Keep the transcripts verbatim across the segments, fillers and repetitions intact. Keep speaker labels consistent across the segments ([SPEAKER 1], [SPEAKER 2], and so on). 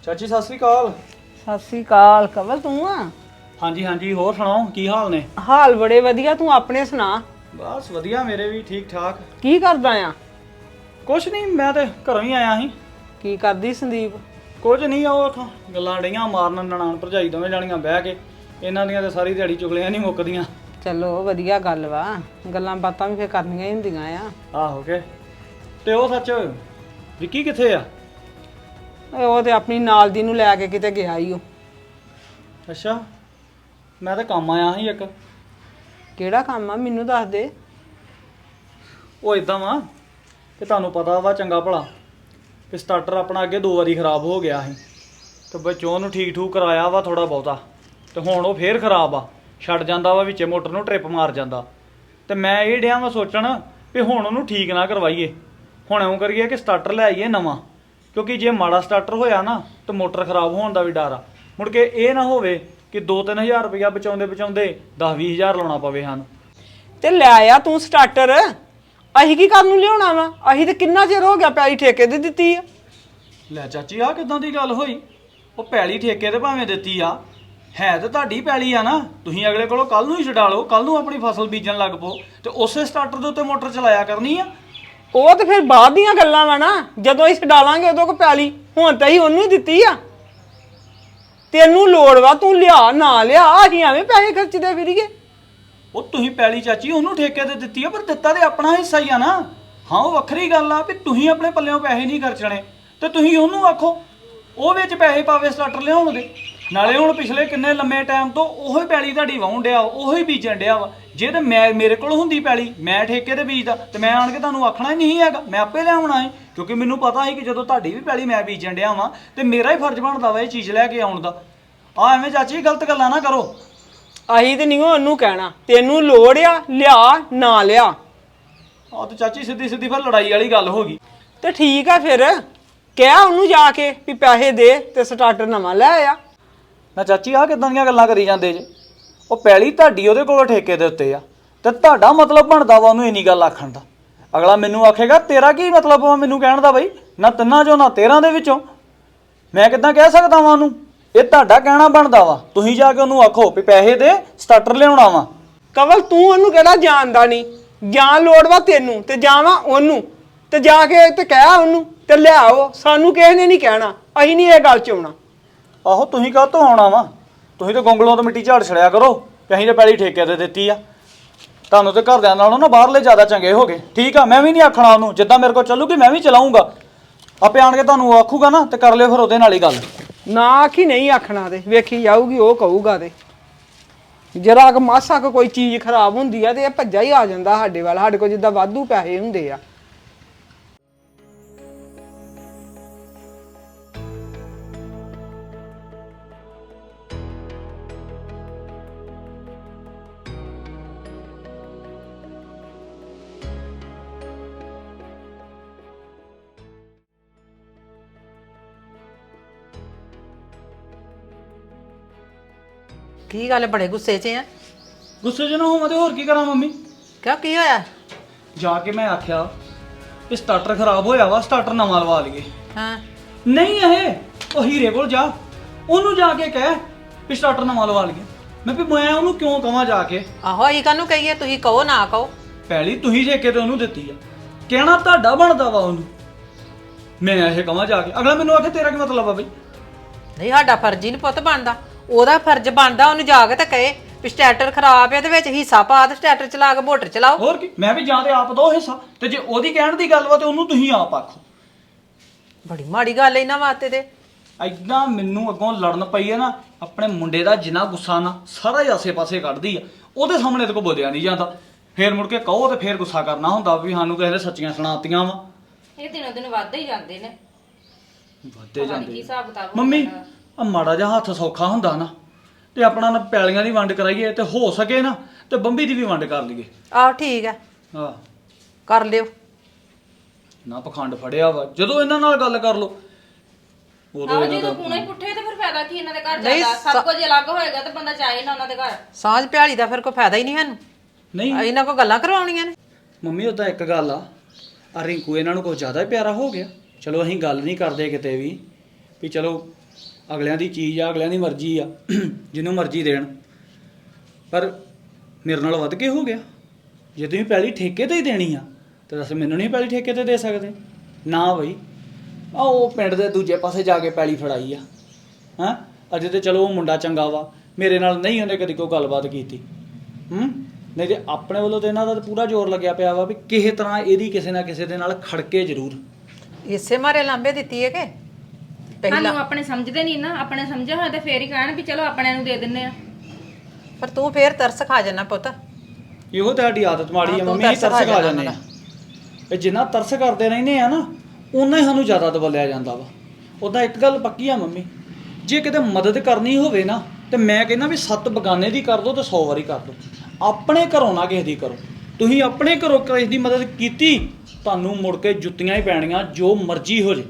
[SPEAKER 1] ਚਾਚੀ ਸਤਿ ਸ੍ਰੀ ਅਕਾਲ।
[SPEAKER 2] ਸਤਿ ਸ੍ਰੀ ਅਕਾਲ। ਕਵਲ ਤੂੰ ਆ?
[SPEAKER 1] ਹਾਂਜੀ ਹਾਂਜੀ, ਹੋਰ ਸੁਣਾਓ ਕੀ ਹਾਲ ਨੇ?
[SPEAKER 2] ਹਾਲ ਬੜੇ ਵਧੀਆ, ਤੂੰ ਆਪਣੇ ਸੁਣਾ।
[SPEAKER 1] ਬਸ ਵਧੀਆ, ਮੇਰੇ ਵੀ ਠੀਕ ਠਾਕ।
[SPEAKER 2] ਕੀ ਕਰਦਾ ਆ?
[SPEAKER 1] ਕੁਛ ਨਹੀਂ, ਮੈਂ ਤੇ ਘਰੋਂ ਹੀ ਆਇਆ ਸੀ।
[SPEAKER 2] ਕੀ ਕਰਦੀ ਸੰਦੀਪ?
[SPEAKER 1] ਕੁਝ ਨਹੀਂ, ਉਹ ਉੱਥੋਂ ਗੱਲਾਂ ਡਈਆਂ ਮਾਰਨ, ਨਨਾਣ ਭਰਜਾਈ ਦੋਵੇਂ ਜਾਣੀਆਂ ਬਹਿ ਕੇ। ਇਹਨਾਂ ਦੀਆਂ ਤਾਂ ਸਾਰੀ ਦਿਹਾੜੀ ਚੁਗਲੀਆਂ ਨਹੀਂ ਮੁੱਕਦੀਆਂ।
[SPEAKER 2] ਚਲੋ ਵਧੀਆ ਗੱਲ ਵਾ, ਗੱਲਾਂ ਬਾਤਾਂ ਵੀ ਫੇਰ ਕਰਨੀਆਂ ਹੀ ਹੁੰਦੀਆਂ ਆ।
[SPEAKER 1] ਆਹੋ ਕੇ। ਤੇ ਉਹ ਸੱਚ ਵਿੱਕੀ ਕਿੱਥੇ ਆ?
[SPEAKER 2] ਉਹ ਤੇ ਆਪਣੀ ਨਾਲ ਦੀ ਨੂੰ ਲੈ ਕੇ ਕਿਤੇ ਗਿਆ ਈ ਉਹ।
[SPEAKER 1] ਅੱਛਾ, ਮੈਂ ਤਾਂ ਕੰਮ ਆਇਆ ਸੀ ਇੱਕ।
[SPEAKER 2] ਕਿਹੜਾ ਕੰਮ ਆ ਮੈਨੂੰ ਦੱਸ ਦੇ।
[SPEAKER 1] ਉਹ ਇਦਾਂ ਵਾ ਕਿ ਤੁਹਾਨੂੰ ਪਤਾ ਵਾ ਚੰਗਾ ਭਲਾ ਕਿ ਸਟਾਰਟਰ ਆਪਣਾ ਅੱਗੇ ਦੋ ਵਾਰੀ ਖਰਾਬ ਹੋ ਗਿਆ ਸੀ ਤੇ ਵਿੱਚੋਂ ਉਹਨੂੰ ਠੀਕ ਠੂਕ ਕਰਾਇਆ ਵਾ ਥੋੜਾ ਬਹੁਤਾ, ਤੇ ਹੁਣ ਉਹ ਫੇਰ ਖਰਾਬ ਆ, ਛੱਡ ਜਾਂਦਾ ਵਾ ਵਿੱਚੇ ਮੋਟਰ ਨੂੰ ਟ੍ਰਿਪ ਮਾਰ ਜਾਂਦਾ। ਤੇ ਮੈਂ ਇਹ ਡਿਆ ਵਾ ਸੋਚਣ ਵੀ ਹੁਣ ਉਹਨੂੰ ਠੀਕ ਨਾ ਕਰਵਾਈਏ, ਹੁਣ ਇਉਂ ਕਰੀਏ ਕਿ ਸਟਾਰਟਰ ਲੈ ਆਈਏ ਨਵਾਂ, ਕਿਉਂਕਿ ਜੇ ਮਾੜਾ ਸਟਾਰਟਰ ਹੋਇਆ ਨਾ ਤਾਂ ਮੋਟਰ ਖਰਾਬ ਹੋਣ ਦਾ ਵੀ ਡਰ ਆ। ਮੁੜ ਕੇ ਇਹ ਨਾ ਹੋਵੇ ਕਿ ਦੋ ਤਿੰਨ ਹਜ਼ਾਰ ਰੁਪਇਆ ਬਚਾਉਂਦੇ ਬਚਾਉਂਦੇ ਦਸ ਵੀਹ ਹਜ਼ਾਰ ਲਾਉਣਾ ਪਵੇ ਸਾਨੂੰ।
[SPEAKER 2] ਤੇ ਲੈ ਆ ਤੂੰ ਸਟਾਰਟਰ, ਅਸੀਂ ਕੀ ਕਰਨ ਨੂੰ ਲਿਆਉਣਾ ਵਾ? ਅਸੀਂ ਤੇ ਕਿੰਨਾ ਚਿਰ ਹੋ ਗਿਆ ਪੈਲੀ ਠੇਕੇ ਤੇ ਦਿੱਤੀ ਆ।
[SPEAKER 1] ਲੈ ਚਾਚੀ, ਆਹ ਕਿੱਦਾਂ ਦੀ ਗੱਲ ਹੋਈ? ਉਹ ਪੈਲੀ ਠੇਕੇ ਤੇ ਭਾਵੇਂ ਦਿੱਤੀ ਆ, ਹੈ ਤੇ ਤੁਹਾਡੀ ਪੈਲੀ ਆ ਨਾ। ਤੁਸੀਂ ਅਗਲੇ ਕੋਲੋਂ ਕੱਲ ਨੂੰ ਹੀ ਛਡਾ ਲਓ, ਕੱਲ ਨੂੰ ਆਪਣੀ ਫਸਲ ਬੀਜਣ ਲੱਗ ਪਓ ਤੇ ਉਸੇ ਸਟਾਰਟਰ ਦੇ ਉੱਤੇ ਮੋਟਰ ਚਲਾਇਆ ਕਰਨੀ ਆ।
[SPEAKER 2] ਉਹ ਤੇ ਫਿਰ ਬਾਅਦ ਦੀਆਂ ਗੱਲਾਂ ਵਾ ਨਾ, ਜਦੋਂ ਅਸੀਂ ਛਡਾਲਾਂਗੇ ਉਦੋਂ ਕੋ ਪੈਲੀ। ਹੁਣ ਤਾਂ ਅਸੀਂ ਉਹਨੂੰ ਹੀ ਦਿੱਤੀ ਆ। ਤੈਨੂੰ ਲੋੜ ਵਾ, ਤੂੰ ਲਿਆ ਨਾ ਲਿਆ, ਅਸੀਂ ਐਵੇਂ ਪੈਸੇ ਖਰਚਦੇ ਫਿਰੀਏ।
[SPEAKER 1] ਉਹ ਤੁਸੀਂ ਪੈਲੀ ਚਾਚੀ ਉਹਨੂੰ ਠੇਕੇ ਤੇ ਦਿੱਤੀ ਆ, ਪਰ ਦਿੱਤਾ ਤੇ ਆਪਣਾ ਹਿੱਸਾ ਹੀ ਆ ਨਾ। ਹਾਂ, ਉਹ ਵੱਖਰੀ ਗੱਲ ਆ ਵੀ ਤੁਸੀਂ ਆਪਣੇ ਪੱਲਿਓਂ ਪੈਸੇ ਨਹੀਂ ਖਰਚਣੇ ਤੇ ਤੁਸੀਂ ਉਹਨੂੰ ਆਖੋ ਉਹ ਵਿੱਚ ਪੈਸੇ ਪਾਵੇ ਸਟਾਰਟਰ ਲਿਆਉਣ ਦੇ। ਨਾਲੇ ਹੁਣ ਪਿਛਲੇ ਕਿੰਨੇ ਲੰਮੇ ਟਾਈਮ ਤੋਂ ਉਹੋ ਹੀ ਪੈਲੀ ਤੁਹਾਡੀ ਵਾਹੁਣ ਡਿਆ, ਉਹੋ ਹੀ ਬੀਜਣ ਡਿਆ ਵਾ। ਜੇ ਤੇ ਮੈਂ ਮੇਰੇ ਕੋਲ ਹੁੰਦੀ ਪੈਲੀ, ਮੈਂ ਠੇਕੇ ਤੇ ਬੀਜਦਾ ਤੇ ਮੈਂ ਆਣ ਕੇ ਤੁਹਾਨੂੰ ਆਖਣਾ ਹੀ ਨਹੀਂ ਹੈਗਾ, ਮੈਂ ਆਪੇ ਲਿਆਉਣਾ ਹੈ। ਕਿਉਂਕਿ ਮੈਨੂੰ ਪਤਾ ਸੀ ਕਿ ਜਦੋਂ ਤੁਹਾਡੀ ਵੀ ਪੈਲੀ ਮੈਂ ਬੀਜਣ ਡਿਆ ਵਾਂ ਤੇ ਮੇਰਾ ਹੀ ਫਰਜ਼ ਬਣਦਾ ਵਾ ਇਹ ਚੀਜ਼ ਲੈ ਕੇ ਆਉਣ ਦਾ। ਆ ਐਵੇਂ ਚਾਚੀ ਗਲਤ ਗੱਲਾਂ ਨਾ ਕਰੋ।
[SPEAKER 2] ਅਸੀਂ ਤੇ ਨਹੀਂ ਉਹਨੂੰ ਕਹਿਣਾ, ਤੈਨੂੰ ਲੋੜ ਆ ਲਿਆ ਨਾ ਲਿਆ।
[SPEAKER 1] ਆ ਤੇ ਚਾਚੀ ਸਿੱਧੀ ਸਿੱਧੀ ਫਿਰ ਲੜਾਈ ਵਾਲੀ ਗੱਲ ਹੋ ਗਈ।
[SPEAKER 2] ਤੇ ਠੀਕ ਆ, ਫਿਰ ਕਹਿ ਉਹਨੂੰ ਜਾ ਕੇ ਵੀ ਪੈਸੇ ਦੇ ਤੇ ਸਟਾਰਟਰ ਨਵਾਂ ਲੈ ਆ।
[SPEAKER 1] ਨਾ ਚਾਚੀ, ਆਹ ਕਿੱਦਾਂ ਦੀਆਂ ਗੱਲਾਂ ਕਰੀ ਜਾਂਦੇ ਜੇ? ਉਹ ਪੈਲੀ ਤੁਹਾਡੀ ਉਹਦੇ ਕੋਲੋਂ ਠੇਕੇ ਦੇ ਉੱਤੇ ਆ ਤੇ ਤੁਹਾਡਾ ਮਤਲਬ ਬਣਦਾ ਵਾ ਉਹਨੂੰ ਇੰਨੀ ਗੱਲ ਆਖਣ ਦਾ। ਅਗਲਾ ਮੈਨੂੰ ਆਖੇਗਾ ਤੇਰਾ ਕੀ ਮਤਲਬ ਵਾ ਮੈਨੂੰ ਕਹਿਣ ਦਾ? ਬਈ ਨਾ ਤਿੰਨਾਂ ਚੋਂ ਨਾ ਤੇਰਾਂ ਦੇ ਵਿੱਚੋਂ ਮੈਂ ਕਿੱਦਾਂ ਕਹਿ ਸਕਦਾ ਵਾਂ ਉਹਨੂੰ? ਇਹ ਤੁਹਾਡਾ ਕਹਿਣਾ ਬਣਦਾ ਵਾ, ਤੁਸੀਂ ਜਾ ਕੇ ਉਹਨੂੰ ਆਖੋ ਵੀ ਪੈਸੇ ਦੇ ਸਟਾਰਟਰ ਲਿਆਉਣਾ ਵਾ।
[SPEAKER 2] ਕਵਲ ਤੂੰ ਉਹਨੂੰ ਕਿਹੜਾ ਜਾਣਦਾ ਨਹੀਂ? ਜਾਂ ਲੋੜ ਵਾ ਤੈਨੂੰ ਤੇ ਜਾਵਾਂ ਉਹਨੂੰ, ਤੇ ਜਾ ਕੇ ਤੇ ਕਹਿ ਉਹਨੂੰ ਤੇ ਲਿਆਓ। ਸਾਨੂੰ ਕਿਸੇ ਨੇ ਨਹੀਂ ਕਹਿਣਾ, ਅਸੀਂ ਨਹੀਂ ਇਹ ਗੱਲ ਚ ਆਉਣਾ।
[SPEAKER 1] ਆਹੋ, ਤੁਸੀਂ ਕਾਹ ਤੋਂ ਆਉਣਾ ਵਾ? ਤੁਸੀਂ ਤਾਂ ਗੋਂਗਲੋਂ ਤੋਂ ਮਿੱਟੀ ਝਾੜ ਛੜਿਆ ਕਰੋ ਕਿ ਅਸੀਂ ਤਾਂ ਪੈਲੀ ਠੇਕੇ ਤੇ ਦਿੱਤੀ ਆ। ਤੁਹਾਨੂੰ ਤੇ ਘਰਦਿਆਂ ਨਾਲੋਂ ਨਾ ਬਾਹਰਲੇ ਜ਼ਿਆਦਾ ਚੰਗੇ ਹੋ ਗਏ। ਠੀਕ ਆ, ਮੈਂ ਵੀ ਨਹੀਂ ਆਖਣਾ ਉਹਨੂੰ, ਜਿੱਦਾਂ ਮੇਰੇ ਕੋਲ ਚੱਲੂਗੀ ਮੈਂ ਵੀ ਚਲਾਉਂਗਾ। ਆਪੇ ਆਣ ਕੇ ਤੁਹਾਨੂੰ ਆਖੂਗਾ ਨਾ ਤੇ ਕਰ ਲਿਓ ਫਿਰ ਉਹਦੇ ਨਾਲ ਹੀ ਗੱਲ।
[SPEAKER 2] ਨਾ ਆਖੀ ਨਹੀਂ ਆਖਣਾ, ਤੇ ਵੇਖੀ ਜਾਊਗੀ ਉਹ ਕਹੂਗਾ। ਤੇ ਜਰਾ ਕੁ ਮਾਸਾ ਕੁ ਕੋਈ ਚੀਜ਼ ਖਰਾਬ ਹੁੰਦੀ ਆ ਤੇ ਇਹ ਭੱਜਾ ਹੀ ਆ ਜਾਂਦਾ ਸਾਡੇ ਵੱਲ। ਸਾਡੇ ਕੋਲ ਜਿੱਦਾਂ ਵਾਧੂ ਪੈਸੇ ਹੁੰਦੇ ਆ।
[SPEAKER 3] ਕੀ ਗੱਲ ਬੜੇ ਗੁੱਸੇ 'ਚ ਆ?
[SPEAKER 1] ਗੁੱਸੇ 'ਚ ਨਾ ਹੋਵਾਂ ਤੇ ਹੋਰ ਕੀ ਕਰਾਂ ਮੰਮੀ?
[SPEAKER 3] ਕਿਉਂ ਕੀ ਹੋਇਆ?
[SPEAKER 1] ਜਾ ਕੇ ਮੈਂ ਆਖਿਆ ਕਿ ਸਟਾਰਟਰ ਖਰਾਬ ਹੋਇਆ ਵਾ, ਸਟਾਰਟਰ ਨਵਾਂ ਲਵਾ ਲਈਏ।
[SPEAKER 3] ਹਾਂ,
[SPEAKER 1] ਨਹੀਂ ਇਹ ਉਹ ਹੀਰੇ ਕੋਲ ਜਾ, ਉਹਨੂੰ ਜਾ ਕੇ ਕਹਿ ਵੀ ਸਟਾਰਟਰ ਨਵਾਂ ਲਵਾ ਲਈਏ। ਮੈਂ ਵੀ ਮੈਂ ਉਹਨੂੰ ਕਿਉਂ ਕਵਾਂ ਜਾ ਕੇ?
[SPEAKER 3] ਆਹੋ ਅਸੀਂ ਕਾਹਨੂੰ ਕਹੀਏ, ਤੁਸੀਂ ਕਹੋ ਨਾ ਕਹੋ।
[SPEAKER 1] ਪਹਿਲੀ ਤੁਸੀਂ ਠੇਕੇ ਤੇ ਉਹਨੂੰ ਦਿੱਤੀ ਆ, ਕਹਿਣਾ ਤੁਹਾਡਾ ਬਣਦਾ ਵਾ ਉਹਨੂੰ। ਮੈਂ ਇਹ ਕਵਾਂ ਜਾ ਕੇ, ਅਗਲਾ ਮੈਨੂੰ ਆਖੇ ਤੇਰਾ ਕੀ ਮਤਲਬ ਆ ਬਈ?
[SPEAKER 3] ਨਹੀਂ, ਸਾਡਾ ਫਰਜ਼ ਹੀ ਨਹੀਂ ਪੁੱਤ ਬਣਦਾ, ਉਹਦਾ ਫਰਜ਼ ਬਣਦਾ ਉਹਨੂੰ ਜਾ ਕੇ ਤੇ ਕਹੇ ਵੀ ਸਟਾਰਟਰ ਖਰਾਬ ਹੈ ਤੇ ਵਿੱਚ ਹਿੱਸਾ ਪਾ ਤੇ ਸਟਾਰਟਰ ਚਲਾ ਕੇ ਮੋਟਰ ਚਲਾਓ।
[SPEAKER 1] ਹੋਰ ਕੀ, ਮੈਂ ਵੀ ਜਾਂ ਤੇ ਆਪ ਦੋ ਹਿੱਸਾ, ਤੇ ਜੇ ਉਹਦੀ ਕਹਿਣ ਦੀ ਗੱਲ ਵਾ ਤੇ ਉਹਨੂੰ ਤੁਸੀਂ ਆਪ ਆਖੋ।
[SPEAKER 3] ਬੜੀ ਮਾੜੀ ਗੱਲ ਹੈ ਇਹਨਾਂ ਵਾਸਤੇ। ਤੇ
[SPEAKER 1] ਐਦਾਂ ਮੈਨੂੰ ਅੱਗੋਂ ਲੜਨ ਪਈ ਹੈ ਨਾ, ਆਪਣੇ ਮੁੰਡੇ ਦਾ ਜਿੰਨਾ ਗੁੱਸਾ ਨਾ ਸਾਰਾ ਹੀ ਆਸੇ-ਪਾਸੇ ਕੱਢਦੀ ਆ। ਉਹਦੇ ਸਾਹਮਣੇ ਤੇ ਕੋ ਬੋਲਿਆ ਨਹੀਂ ਜਾਂਦਾ, ਫੇਰ ਮੁੜ ਕੇ ਕਹੋ ਤੇ ਫੇਰ ਗੁੱਸਾ ਕਰਨਾ ਹੁੰਦਾ ਵੀ ਸਾਨੂੰ ਕਿਸੇ ਨੇ ਸੱਚੀਆਂ ਸੁਣਾਤੀਆਂ ਵਾ।
[SPEAKER 4] ਇਹ ਦਿਨੋਂ ਦਿਨ ਵੱਧਦੇ ਹੀ ਜਾਂਦੇ ਨੇ।
[SPEAKER 1] ਵੱਧਦੇ ਜਾਂਦੇ।
[SPEAKER 4] ਕੀ ਹਿਸਾਬ ਕਿਤਾਬ ਹੋ
[SPEAKER 1] ਮੰਮੀ
[SPEAKER 4] ਜਾਂਦਾ?
[SPEAKER 1] ਆ ਮਾੜਾ ਜਿਹਾ ਹੱਥ ਸੌਖਾ ਹੁੰਦਾ ਨਾ ਤੇ ਆਪਣਾ ਨਾ ਪੈਲੀਆਂ ਦੀ ਵੰਡ ਕਰਾਈਏ ਤੇ ਹੋ ਸਕੇ ਨਾ ਤੇ ਬੰਬੀ ਦੀ ਵੀ ਵੰਡ ਕਰ ਲਈਏ।
[SPEAKER 3] ਆਹ ਠੀਕ ਹੈ,
[SPEAKER 1] ਹਾਂ
[SPEAKER 3] ਕਰ ਲਿਓ।
[SPEAKER 1] ਨਾ ਪਖੰਡ ਫੜਿਆ ਵਾ, ਜਦੋਂ ਇਹਨਾਂ ਨਾਲ ਗੱਲ ਕਰ ਲੋ ਉਦੋਂ
[SPEAKER 4] ਆਹੋ,
[SPEAKER 1] ਇਹਨਾਂ
[SPEAKER 4] ਜਦੋਂ
[SPEAKER 1] ਦਾ
[SPEAKER 4] ਪੂਣਾ ਹੀ ਪੁੱਠੇ ਤੇ ਫਿਰ ਫਾਇਦਾ ਕੀ ਇਹਨਾਂ ਦੇ ਘਰ
[SPEAKER 3] ਨਹੀਂ,
[SPEAKER 4] ਜਾਂਦਾ?
[SPEAKER 3] ਸ-
[SPEAKER 4] ਸਭ ਕੁਝ ਅਲੱਗ ਹੋਏਗਾ ਤੇ ਬੰਦਾ ਚਾਹੇ ਨਾ ਉਹਨਾਂ ਦੇ ਘਰ।
[SPEAKER 3] ਸਾਂਝ ਪਿਆਲੀ ਦਾ ਫਿਰ ਕੋਈ ਫਾਇਦਾ ਹੀ ਨਹੀਂ ਸਾਨੂੰ।
[SPEAKER 1] ਨਹੀਂ
[SPEAKER 3] ਇਹਨਾਂ ਕੋਲ ਗੱਲਾਂ ਕਰਵਾਉਣੀਆਂ ਨੇ।
[SPEAKER 1] ਮੰਮੀ ਉਹਦਾ ਇੱਕ ਗੱਲ ਆ, ਆ ਰਿੰਕੂ ਇਹਨਾਂ ਨੂੰ ਕੋਈ ਜ਼ਿਆਦਾ ਹੀ ਪਿਆਰਾ ਹੋ ਗਿਆ। ਚਲੋ ਅਸੀਂ ਗੱਲ ਨਹੀਂ ਕਰਦੇ ਕਿਤੇ ਵੀ ਵੀ ਚਲੋ ਅਗਲਿਆਂ ਦੀ ਚੀਜ਼ ਆ, ਅਗਲਿਆਂ ਦੀ ਮਰਜ਼ੀ ਆ, ਜਿਹਨੂੰ ਮਰਜ਼ੀ ਦੇਣ। ਪਰ ਮੇਰੇ ਨਾਲ ਵੱਧ ਕੇ ਹੋ ਗਿਆ। ਜੇ ਤੁਸੀਂ ਪੈਲੀ ਠੇਕੇ ਤੇ ਹੀ ਦੇਣੀ ਆ ਤੇ ਦੱਸ ਮੈਨੂੰ ਨਹੀਂ ਪੈਲੀ ਠੇਕੇ ਤੇ ਦੇ ਸਕਦੇ? ਨਾ ਬਈ, ਆ ਉਹ ਪਿੰਡ ਦੇ ਦੂਜੇ ਪਾਸੇ ਜਾ ਕੇ ਪੈਲੀ ਫੜਾਈ ਆ। ਹੈਂ, ਅਜੇ ਤੇ ਚਲੋ ਉਹ ਮੁੰਡਾ ਚੰਗਾ ਵਾ, ਮੇਰੇ ਨਾਲ ਨਹੀਂ ਉਹਨੇ ਕਦੀ ਕੋਈ ਗੱਲਬਾਤ ਕੀਤੀ। ਹੂੰ, ਨਹੀਂ ਤੇ ਆਪਣੇ ਵੱਲੋਂ ਤੇ ਇਹਨਾਂ ਦਾ ਤਾਂ ਪੂਰਾ ਜ਼ੋਰ ਲੱਗਿਆ ਪਿਆ ਵਾ ਵੀ ਕਿਸੇ ਤਰ੍ਹਾਂ ਇਹਦੀ ਕਿਸੇ ਨਾ ਕਿਸੇ ਦੇ ਨਾਲ ਖੜਕੇ ਜ਼ਰੂਰ।
[SPEAKER 3] ਇਸੇ ਮਾਰੇ ਲਾਂਬੇ ਦਿੱਤੀ ਹੈ ਕਿ
[SPEAKER 4] ਸਾਨੂੰ ਆਪਣੇ ਸਮਝਦੇ ਨਹੀਂ ਨਾ, ਆਪਣੇ ਸਮਝਿਆ ਹੋਇਆ ਤੇ ਫੇਰ ਹੀ ਕਹਿਣ ਵੀ ਚਲੋ ਆਪਣੇ ਨੂੰ ਦੇ ਦਿੰਨੇ ਆ।
[SPEAKER 3] ਪਰ ਤੂੰ ਫੇਰ ਤਰਸ ਖਾ ਜਾਣਾ ਪੁੱਤ।
[SPEAKER 1] ਇਹੋ ਤੁਹਾਡੀ ਆਦਤ ਮਾੜੀ ਆ
[SPEAKER 3] ਹਾਂ, ਤੂੰ
[SPEAKER 1] ਮੰਮੀ,
[SPEAKER 3] ਤਰਸ
[SPEAKER 1] ਤਰਸ
[SPEAKER 3] ਖਾ
[SPEAKER 1] ਖਾ
[SPEAKER 3] ਜਾਣਾ
[SPEAKER 1] ਜਾਂਦੇ ਆ। ਇਹ ਜਿੰਨਾ ਤਰਸ ਕਰਦੇ ਰਹਿੰਦੇ ਆ ਨਾ, ਉਨਾ ਹੀ ਸਾਨੂੰ ਜ਼ਿਆਦਾ ਦਬਲਿਆ ਜਾਂਦਾ ਵਾ। ਉੱਦਾਂ ਇੱਕ ਗੱਲ ਪੱਕੀ ਆ ਮੰਮੀ, ਜੇ ਕਿਤੇ ਮਦਦ ਕਰਨੀ ਹੋਵੇ ਨਾ ਤੇ ਮੈਂ ਕਹਿੰਦਾ ਵੀ ਸੱਤ ਬਗਾਨੇ ਦੀ ਕਰ ਦੋ ਤੇ ਸੌ ਵਾਰੀ ਕਰ ਦੋ, ਆਪਣੇ ਘਰੋਂ ਨਾ ਕਿਸੇ ਦੀ ਕਰੋ। ਤੁਸੀਂ ਆਪਣੇ ਘਰੋਂ ਕਿਸੇ ਦੀ ਮਦਦ ਕੀਤੀ, ਤੁਹਾਨੂੰ ਮੁੜ ਕੇ ਜੁੱਤੀਆਂ ਹੀ ਪੈਣੀਆਂ, ਜੋ ਮਰਜ਼ੀ ਹੋ ਜੇ।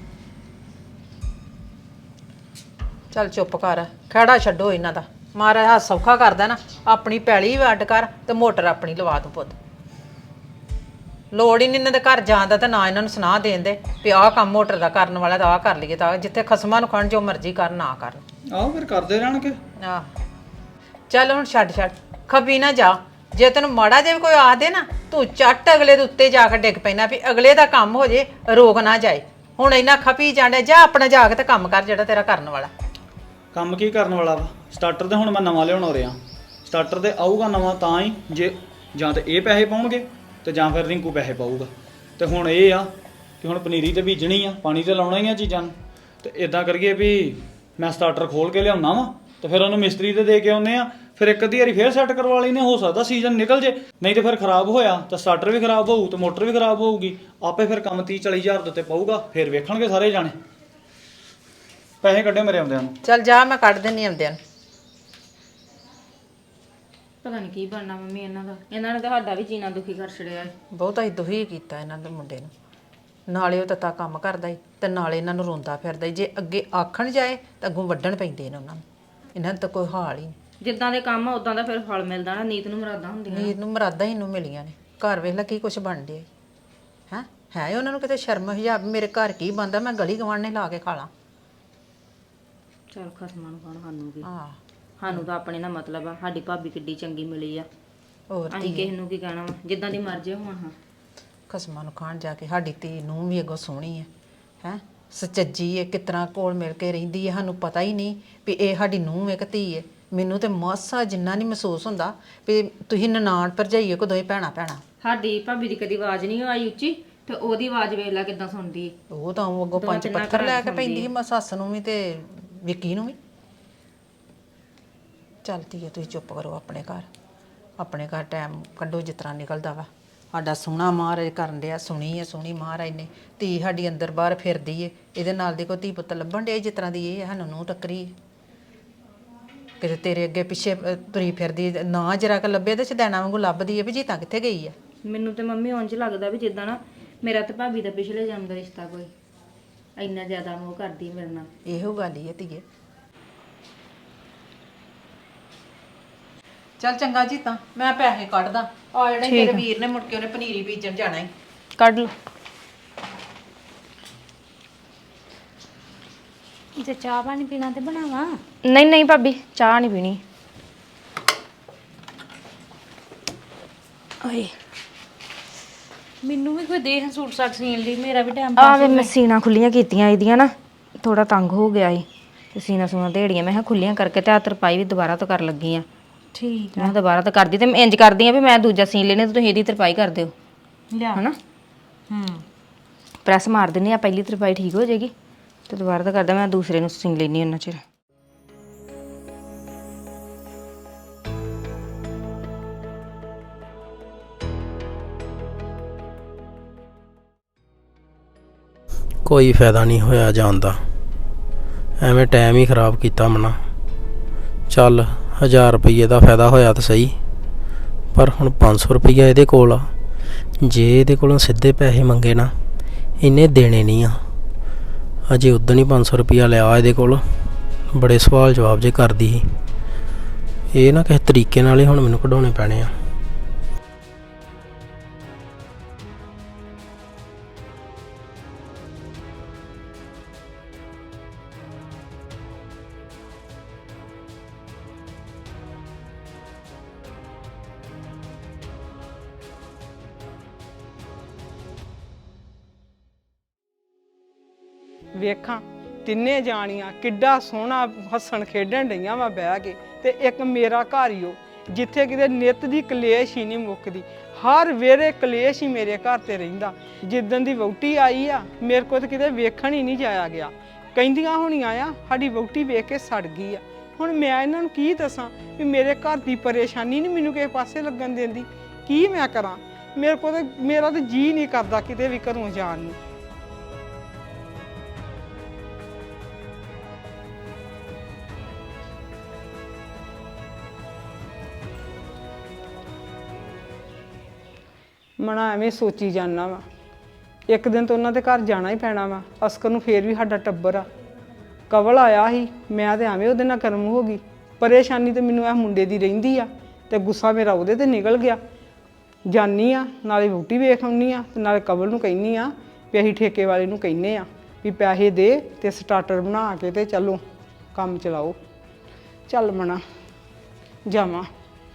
[SPEAKER 3] ਚੱਲ ਚੁੱਪ ਕਰ, ਖਹਿੜਾ ਛੱਡੋ ਇਹਨਾਂ ਦਾ। ਮਹਾਰਾਜ ਹੱਥ ਸੌਖਾ ਕਰਦਾ ਨਾ, ਆਪਣੀ ਪੈਲੀ ਵੀ ਅੱਡ ਕਰ ਤੇ ਮੋਟਰ ਆਪਣੀ ਲਵਾ ਤੂੰ ਪੁੱਤ। ਲੋੜ ਹੀ ਨਹੀਂ ਇਹਨਾਂ ਦੇ ਘਰ ਜਾਣ ਦਾ ਤੇ ਨਾ ਇਹਨਾਂ ਨੂੰ ਸੁਨਾਹ ਦੇਣ ਦੇ ਵੀ ਆਹ ਕੰਮ ਮੋਟਰ ਦਾ ਕਰਨ ਵਾਲਾ ਤਾਂ ਆਹ ਕਰ ਲਈਏ, ਤਾਂ ਜਿੱਥੇ ਖਸਮਾਂ ਨੂੰ ਖਣ ਜੋ ਮਰਜ਼ੀ ਕਰਨ ਨਾ ਕਰਨ।
[SPEAKER 1] ਆਹੋ ਫਿਰ ਕਰਦੇ ਰਹਿਣਗੇ।
[SPEAKER 3] ਆਹ ਚੱਲ ਹੁਣ ਛੱਡ ਛੱਡ, ਖਪੀ ਨਾ ਜਾ। ਜੇ ਤੈਨੂੰ ਮਾੜਾ ਜਿਹਾ ਵੀ ਕੋਈ ਆਖ ਦੇ ਨਾ, ਤੂੰ ਚੱਟ ਅਗਲੇ ਦੇ ਉੱਤੇ ਜਾ ਕੇ ਡਿੱਗ ਪੈਣਾ ਵੀ ਅਗਲੇ ਦਾ ਕੰਮ ਹੋ ਜੇ, ਰੋਕ ਨਾ ਜਾਏ। ਹੁਣ ਇੰਨਾ ਖਪੀ ਜਾਂਦੇ, ਜਾ ਆਪਣਾ ਜਾ ਕੇ ਤੇ ਕੰਮ ਕਰ ਜਿਹੜਾ ਤੇਰਾ ਕਰਨ ਵਾਲਾ।
[SPEAKER 1] ਕੰਮ ਕੀ ਕਰਨ ਵਾਲਾ ਵਾ? ਸਟਾਰਟਰ ਤੇ ਹੁਣ ਮੈਂ ਨਵਾਂ ਲਿਆਉਣ ਹੋ ਰਿਹਾ। ਸਟਾਰਟਰ ਤੇ ਆਊਗਾ ਨਵਾਂ ਤਾਂ ਹੀ ਜੇ ਜਾਂ ਤੇ ਇਹ ਪੈਸੇ ਪਾਉਣਗੇ ਤੇ ਜਾਂ ਫਿਰ ਰਿੰਕੂ ਪੈਸੇ ਪਾਊਗਾ। ਤੇ ਹੁਣ ਇਹ ਆ ਕਿ ਹੁਣ ਪਨੀਰੀ ਤੇ ਬੀਜਣੀ ਆ, ਪਾਣੀ ਤੇ ਲਾਉਣਾ ਹੀ ਆ ਚੀਜ਼ਾਂ ਨੂੰ। ਤੇ ਇਦਾਂ ਕਰੀਏ ਵੀ ਮੈਂ ਸਟਾਰਟਰ ਖੋਲ ਕੇ ਲਿਆਉਣਾ ਵਾ ਤੇ ਫਿਰ ਉਹਨੂੰ ਮਿਸਤਰੀ ਤੇ ਦੇ ਕੇ ਆਉਂਦੇ ਆ। ਫਿਰ ਇੱਕ ਅੱਧੀ ਵਾਰੀ ਫੇਰ ਸੈੱਟ ਕਰਵਾ ਲੈਨੇ, ਹੋ ਸਕਦਾ ਸੀਜ਼ਨ ਨਿਕਲ ਜੇ, ਨਹੀਂ ਤੇ ਫਿਰ ਖਰਾਬ ਹੋਇਆ ਤਾਂ ਸਟਾਰਟਰ ਵੀ ਖਰਾਬ ਹੋਊ ਤੇ ਮੋਟਰ ਵੀ ਖਰਾਬ ਹੋਊਗੀ। ਆਪੇ ਫਿਰ ਕੰਮ ਤੀਹ ਚਾਲੀ ਹਜ਼ਾਰ ਦੇ ਉੱਤੇ ਪਊਗਾ, ਫਿਰ ਵੇਖਣਗੇ ਸਾਰੇ ਜਾਣੇ। ਪੈਸੇ ਕੱਢਿਓ ਮੇਰੇ ਆਉਂਦਿਆਂ ਨੂੰ।
[SPEAKER 3] ਚੱਲ ਜਾ, ਮੈਂ ਕੱਢ ਦਿੰਨੀ ਆਉਂਦਿਆਂ ਨੂੰ।
[SPEAKER 4] ਪਤਾ ਨਹੀਂ ਕੀ ਬਣਨਾ ਮੰਮੀ ਇਹਨਾਂ ਦਾ। ਇਹਨਾਂ ਨੇ ਤਾਂ ਸਾਡਾ ਵੀ ਜੀਣਾ ਦੁਖੀ ਕਰ ਛੜਿਆ।
[SPEAKER 3] ਬਹੁਤਾ ਹੀ ਦੁਖੀ ਕੀਤਾ ਇਹਨਾਂ ਦੇ ਮੁੰਡੇ ਨੂੰ। ਨਾਲੇ ਉਹ ਤੱਤਾ ਕੰਮ ਕਰਦਾ ਈ ਤੇ ਨਾਲੇ ਇਹਨਾਂ ਨੂੰ ਰੋਂਦਾ ਫਿਰਦਾ ਈ। ਜੇ ਅੱਗੇ ਆਖਣ ਜਾਏ ਤਾਂ ਅੱਗੋਂ ਵੱਢਣ ਪੈਂਦੇ ਨੇ ਉਹਨਾਂ ਨੂੰ। ਇਹਨਾਂ ਦਾ ਤਾਂ ਕੋਈ ਹਾਲ ਹੀ ਨਹੀਂ।
[SPEAKER 4] ਜਿੱਦਾਂ ਦੇ ਕੰਮ ਆ ਉਦਾਂ ਦਾ ਫਿਰ ਫਲ ਮਿਲਦਾ ਨਾ। ਨੀਤ ਨੂੰ ਮੁਰਾਦਾਂ ਹੁੰਦੀਆਂ।
[SPEAKER 3] ਨੀਤ ਨੂੰ ਮੁਰਾਦਾਂ ਹੀ ਨੂੰ ਮਿਲੀਆਂ ਨੇ। ਘਰ ਵੇਖ ਲੈ ਕੀ ਕੁਛ ਬਣ ਡਿਆ ਹੈ ਹੈ ਉਹਨਾਂ ਨੂੰ ਕਿਤੇ ਸ਼ਰਮ ਹਿਜਾਬ, ਮੇਰੇ ਘਰ ਕੀ ਬਣਦਾ, ਮੈਂ ਗਲੀ ਗਵਾਂਢ ਨੇ ਲਾ ਕੇ ਖਾ ਲਾਂ।
[SPEAKER 4] ਚਲ ਖਸਮਾਂ ਨੂੰ ਖਾਣ, ਸਾਨੂੰ ਕੀ,
[SPEAKER 3] ਹਾਂ
[SPEAKER 4] ਸਾਨੂੰ ਤਾਂ ਆਪਣੇ ਨਾਲ ਮਤਲਬ ਆ। ਸਾਡੀ ਭਾਬੀ ਕਿੱਡੀ ਚੰਗੀ ਮਿਲੀ ਆ,
[SPEAKER 3] ਹੋਰ
[SPEAKER 4] ਅਸੀਂ ਕਿਸੇ ਨੂੰ ਕੀ ਕਹਿਣਾ ਵਾ, ਜਿੱਦਾਂ ਦੀ ਮਰਜ਼ੀ ਹੋਣ। ਹਾਂ,
[SPEAKER 3] ਖਸਮਾਂ ਨੂੰ ਖਾਣ ਜਾ ਕੇ ਸਾਡੀ ਧੀ ਨੂੰ ਵੀ ਅੱਗੋਂ ਸੋਹਣੀ ਹੈ ਹੈ ਸੱਚੀ ਹੈ, ਕਿਸ ਤਰ੍ਹਾਂ ਕੋਲ ਮਿਲ ਕੇ ਰਹਿੰਦੀ ਹੈ। ਸਾਨੂੰ ਪਤਾ ਹੀ ਨਹੀਂ ਵੀ ਇਹ ਸਾਡੀ ਨੂੰਹ ਹੈ ਕਿ ਧੀ ਹੈ। ਮੈਨੂੰ ਤੇ ਮਾਸਾ ਜਿੰਨਾ ਨਹੀਂ ਮਹਿਸੂਸ ਹੁੰਦਾ ਵੀ ਤੁਸੀਂ ਨਨਾਣ ਭਰਜਾਈਏ ਕੋ ਦੋਵੇਂ ਭੈਣਾਂ ਭੈਣਾਂ।
[SPEAKER 4] ਸਾਡੀ ਭਾਬੀ ਦੀ ਕਦੀ ਆਵਾਜ਼ ਨਹੀਂ ਆਈ ਉੱਚੀ, ਤੇ ਉਹਦੀ ਆਵਾਜ਼ ਵੇਖ ਲੈ ਕਿੱਦਾਂ ਸੁਣਦੀ ਹੈ।
[SPEAKER 3] ਉਹ ਤਾਂ ਉਹ ਅੱਗੋਂ ਪੰਜ ਪੱਥਰ ਲੈ ਕੇ ਪੈਂਦੀ ਸੀ ਸੱਸ ਨੂੰ ਵੀ ਤੇ ਵਿੱਕੀ ਨੂੰ ਵੀ। ਚੱਲਦੀ ਹੈ, ਤੁਸੀਂ ਚੁੱਪ ਕਰੋ। ਆਪਣੇ ਘਰ ਆਪਣੇ ਘਰ ਟਾਈਮ ਕੱਢੋ ਜਿਸ ਤਰ੍ਹਾਂ ਨਿਕਲਦਾ ਵਾ। ਸਾਡਾ ਸੋਹਣਾ ਮਹਾਰਾਜ ਕਰਨ ਡਿਆ, ਸੁਣੀ ਹੈ ਸੋਹਣੀ ਮਹਾਰਾਜ ਨੇ। ਧੀ ਸਾਡੀ ਅੰਦਰ ਬਾਹਰ ਫਿਰਦੀ ਹੈ, ਇਹਦੇ ਨਾਲ ਦੀ ਕੋਈ ਧੀ ਪੁੱਤ ਲੱਭਣ ਡਿਆ ਜਿਸ ਤਰ੍ਹਾਂ ਦੀ ਇਹ ਸਾਨੂੰ ਨੂੰ ਟੱਕਰੀ। ਕਿਤੇ ਤੇਰੇ ਅੱਗੇ ਪਿੱਛੇ ਤੁਰੀ ਫਿਰਦੀ ਨਾ ਜਰਾ ਕ ਲੱਭੇ ਤੇ ਛਦੈਣਾ ਵਾਂਗੂ ਲੱਭਦੀ ਹੈ ਵੀ ਜੀਤਾ ਕਿੱਥੇ ਗਈ ਆ।
[SPEAKER 4] ਮੈਨੂੰ ਤੇ ਮੰਮੀ ਉਂਝ ਲੱਗਦਾ ਵੀ ਜਿੱਦਾਂ ਨਾ ਮੇਰਾ ਤੇ ਭਾਬੀ ਦਾ ਪਿਛਲੇ ਜਨਮ ਦਾ ਰਿਸ਼ਤਾ ਕੋਈ ਇੰਨਾ ਜ਼ਿਆਦਾ ਮੋਹ ਕਰਦੀ ਮੇਰੇ ਨਾਲ।
[SPEAKER 3] ਇਹੋ ਗੱਲ ਹੀ ਹੈ ਧੀਏ। ਚੱਲ ਚੰਗਾ ਜੀ, ਤਾਂ ਮੈਂ ਪੈਸੇ ਕੱਢਦਾ ਆ ਜਿਹੜੇ ਤੇਰੇ ਵੀਰ ਨੇ ਮੁੜ ਕੇ ਉਹਨੇ ਪਨੀਰੀ ਬੀਜਣ ਜਾਣਾ ਹੈ।
[SPEAKER 4] ਕੱਢ ਲਓ।
[SPEAKER 5] ਜੇ ਚਾਹ ਪਾਣੀ ਪੀਣਾ ਤੇ ਬਣਾਵਾਂ?
[SPEAKER 4] ਨਹੀਂ ਨਹੀਂ ਭਾਬੀ, ਚਾਹ ਨਹੀਂ ਪੀਣੀ।
[SPEAKER 5] ਓਏ ਮੈਨੂੰ ਵੀ ਕੋਈ ਦੇਖ ਸੂਟ ਸਾਟ ਸੀਣ ਲਈ, ਮੇਰਾ ਵੀ ਟਾਈਮ
[SPEAKER 4] ਆ ਵੇ ਮੈਂ ਸੀਨਾ ਖੁੱਲੀਆਂ ਕੀਤੀਆਂ ਇਹਦੀਆਂ ਨਾ, ਥੋੜਾ ਤੰਗ ਹੋ ਗਿਆ ਏ ਤੇ ਸੀਨਾ ਸੂਨਾ ਢੇੜੀਆਂ ਮੈਂ ਕਿਹਾ ਖੁੱਲੀਆਂ ਕਰਕੇ ਤੇ ਆ ਤਰਪਾਈ ਵੀ ਦੁਬਾਰਾ ਤੋਂ ਕਰਨ ਲੱਗੀ ਆ।
[SPEAKER 5] ਠੀਕ
[SPEAKER 4] ਮੈਂ ਦੁਬਾਰਾ ਤਾਂ ਕਰਦੀ ਤੇ ਮੈਂ ਇੰਜ ਕਰਦੀ ਆ ਵੀ ਮੈਂ ਦੂਜਾ ਸੀਨ ਲੈਣੇ ਤੇ ਤੁਸੀਂ ਇਹਦੀ ਤਰਪਾਈ ਕਰ ਦਿਓ,
[SPEAKER 5] ਲਿਆ
[SPEAKER 4] ਹਨਾ।
[SPEAKER 5] ਹੂੰ
[SPEAKER 4] ਪ੍ਰੈਸ ਮਾਰ ਦਿੰਨੀ ਆ, ਪਹਿਲੀ ਤਰਪਾਈ ਠੀਕ ਹੋ ਜਾਏਗੀ ਤੇ ਦੁਬਾਰਾ ਤਾਂ ਕਰਦਾ ਮੈਂ ਦੂਸਰੇ ਨੂੰ ਸੀਨ ਲੈਣੀ ਉਹਨਾਂ ਚਿਰ।
[SPEAKER 6] ਕੋਈ ਫਾਇਦਾ ਨਹੀਂ ਹੋਇਆ ਜਾਣ ਦਾ, ਐਵੇਂ ਟਾਈਮ ਹੀ ਖਰਾਬ ਕੀਤਾ ਮਨਾ। ਚੱਲ ਹਜ਼ਾਰ ਰੁਪਈਏ ਦਾ ਫਾਇਦਾ ਹੋਇਆ ਤਾਂ ਸਹੀ, ਪਰ ਹੁਣ ਪੰਜ ਸੌ ਰੁਪਈਆ ਇਹਦੇ ਕੋਲ ਆ। ਜੇ ਇਹਦੇ ਕੋਲੋਂ ਸਿੱਧੇ ਪੈਸੇ ਮੰਗੇ ਨਾ, ਇਹਨੇ ਦੇਣੇ ਨਹੀਂ ਆ। ਅਜੇ ਉਦੋਂ ਹੀ ਪੰਜ ਸੌ ਰੁਪਈਆ ਲਿਆ ਇਹਦੇ ਕੋਲ, ਬੜੇ ਸਵਾਲ ਜਵਾਬ ਜੇ ਕਰਦੀ ਸੀ। ਇਹ ਨਾ ਕਿਸੇ ਤਰੀਕੇ ਨਾਲ ਹੀ ਹੁਣ ਮੈਨੂੰ ਕਢਾਉਣੇ ਪੈਣੇ ਆ।
[SPEAKER 2] ਵੇਖਾਂ ਤਿੰਨੇ ਜਾਣੀਆਂ ਕਿੱਡਾ ਸੋਹਣਾ ਹੱਸਣ ਖੇਡਣ ਡਈਆਂ ਵਾ ਬਹਿ ਕੇ, ਤੇ ਇੱਕ ਮੇਰਾ ਘਰ ਹੀ ਉਹ ਜਿੱਥੇ ਕਿਤੇ ਨਿੱਤ ਦੀ ਕਲੇਸ਼ ਹੀ ਨਹੀਂ ਮੁੱਕਦੀ। ਹਰ ਵੇਰੇ ਕਲੇਸ਼ ਹੀ ਮੇਰੇ ਘਰ ਤੇ ਰਹਿੰਦਾ। ਜਿੱਦਣ ਦੀ ਵਹੁਟੀ ਆਈ ਆ ਮੇਰੇ ਕੋਲ ਤਾਂ ਕਿਤੇ ਵੇਖਣ ਹੀ ਨਹੀਂ ਜਾਇਆ ਗਿਆ। ਕਹਿੰਦੀਆਂ ਹੋਣੀਆਂ ਆ ਸਾਡੀ ਵਹੁਟੀ ਵੇਖ ਕੇ ਸੜ ਗਈ ਆ। ਹੁਣ ਮੈਂ ਇਹਨਾਂ ਨੂੰ ਕੀ ਦੱਸਾਂ ਵੀ ਮੇਰੇ ਘਰ ਦੀ ਪਰੇਸ਼ਾਨੀ ਨਹੀਂ ਮੈਨੂੰ ਕਿਸੇ ਪਾਸੇ ਲੱਗਣ ਦਿੰਦੀ। ਕੀ ਮੈਂ ਕਰਾਂ? ਮੇਰੇ ਕੋਲ ਤਾਂ ਮੇਰਾ ਤਾਂ ਜੀ ਨਹੀਂ ਕਰਦਾ ਕਿਤੇ ਵੀ ਘਰੋਂ ਜਾਣ ਨੂੰ। ਮਨਾ ਐਵੇਂ ਸੋਚੀ ਜਾਂਦਾ ਵਾ ਇੱਕ ਦਿਨ ਤਾਂ ਉਹਨਾਂ ਦੇ ਘਰ ਜਾਣਾ ਹੀ ਪੈਣਾ ਵਾ। ਅਸਕਰ ਨੂੰ ਫੇਰ ਵੀ ਸਾਡਾ ਟੱਬਰ ਆ। ਕਵਲ ਆਇਆ ਸੀ, ਮੈਂ ਤੇ ਐਵੇਂ ਉਹਦੇ ਨਾਲ ਕਰਮ ਹੋ ਗਈ। ਪਰੇਸ਼ਾਨੀ ਤੇ ਮੈਨੂੰ ਇਹ ਮੁੰਡੇ ਦੀ ਰਹਿੰਦੀ ਆ ਤੇ ਗੁੱਸਾ ਮੇਰਾ ਉਹਦੇ ਤੇ ਨਿਕਲ ਗਿਆ। ਜਾਨੀ ਆ ਨਾਲੇ ਵਹੁਟੀ ਵੇਖ ਆਉਣੀ ਆ ਤੇ ਨਾਲੇ ਕਵਲ ਨੂੰ ਕਹਿੰਨੀ ਆ ਵੀ ਅਸੀਂ ਠੇਕੇ ਵਾਲੇ ਨੂੰ ਕਹਿੰਨੇ ਆ ਵੀ ਪੈਸੇ ਦੇ ਤੇ ਸਟਾਰਟਰ ਬਣਾ ਕੇ ਤੇ ਚਲੋ ਕੰਮ ਚਲਾਓ। ਚੱਲ ਮਣਾ ਜਾਵਾਂ।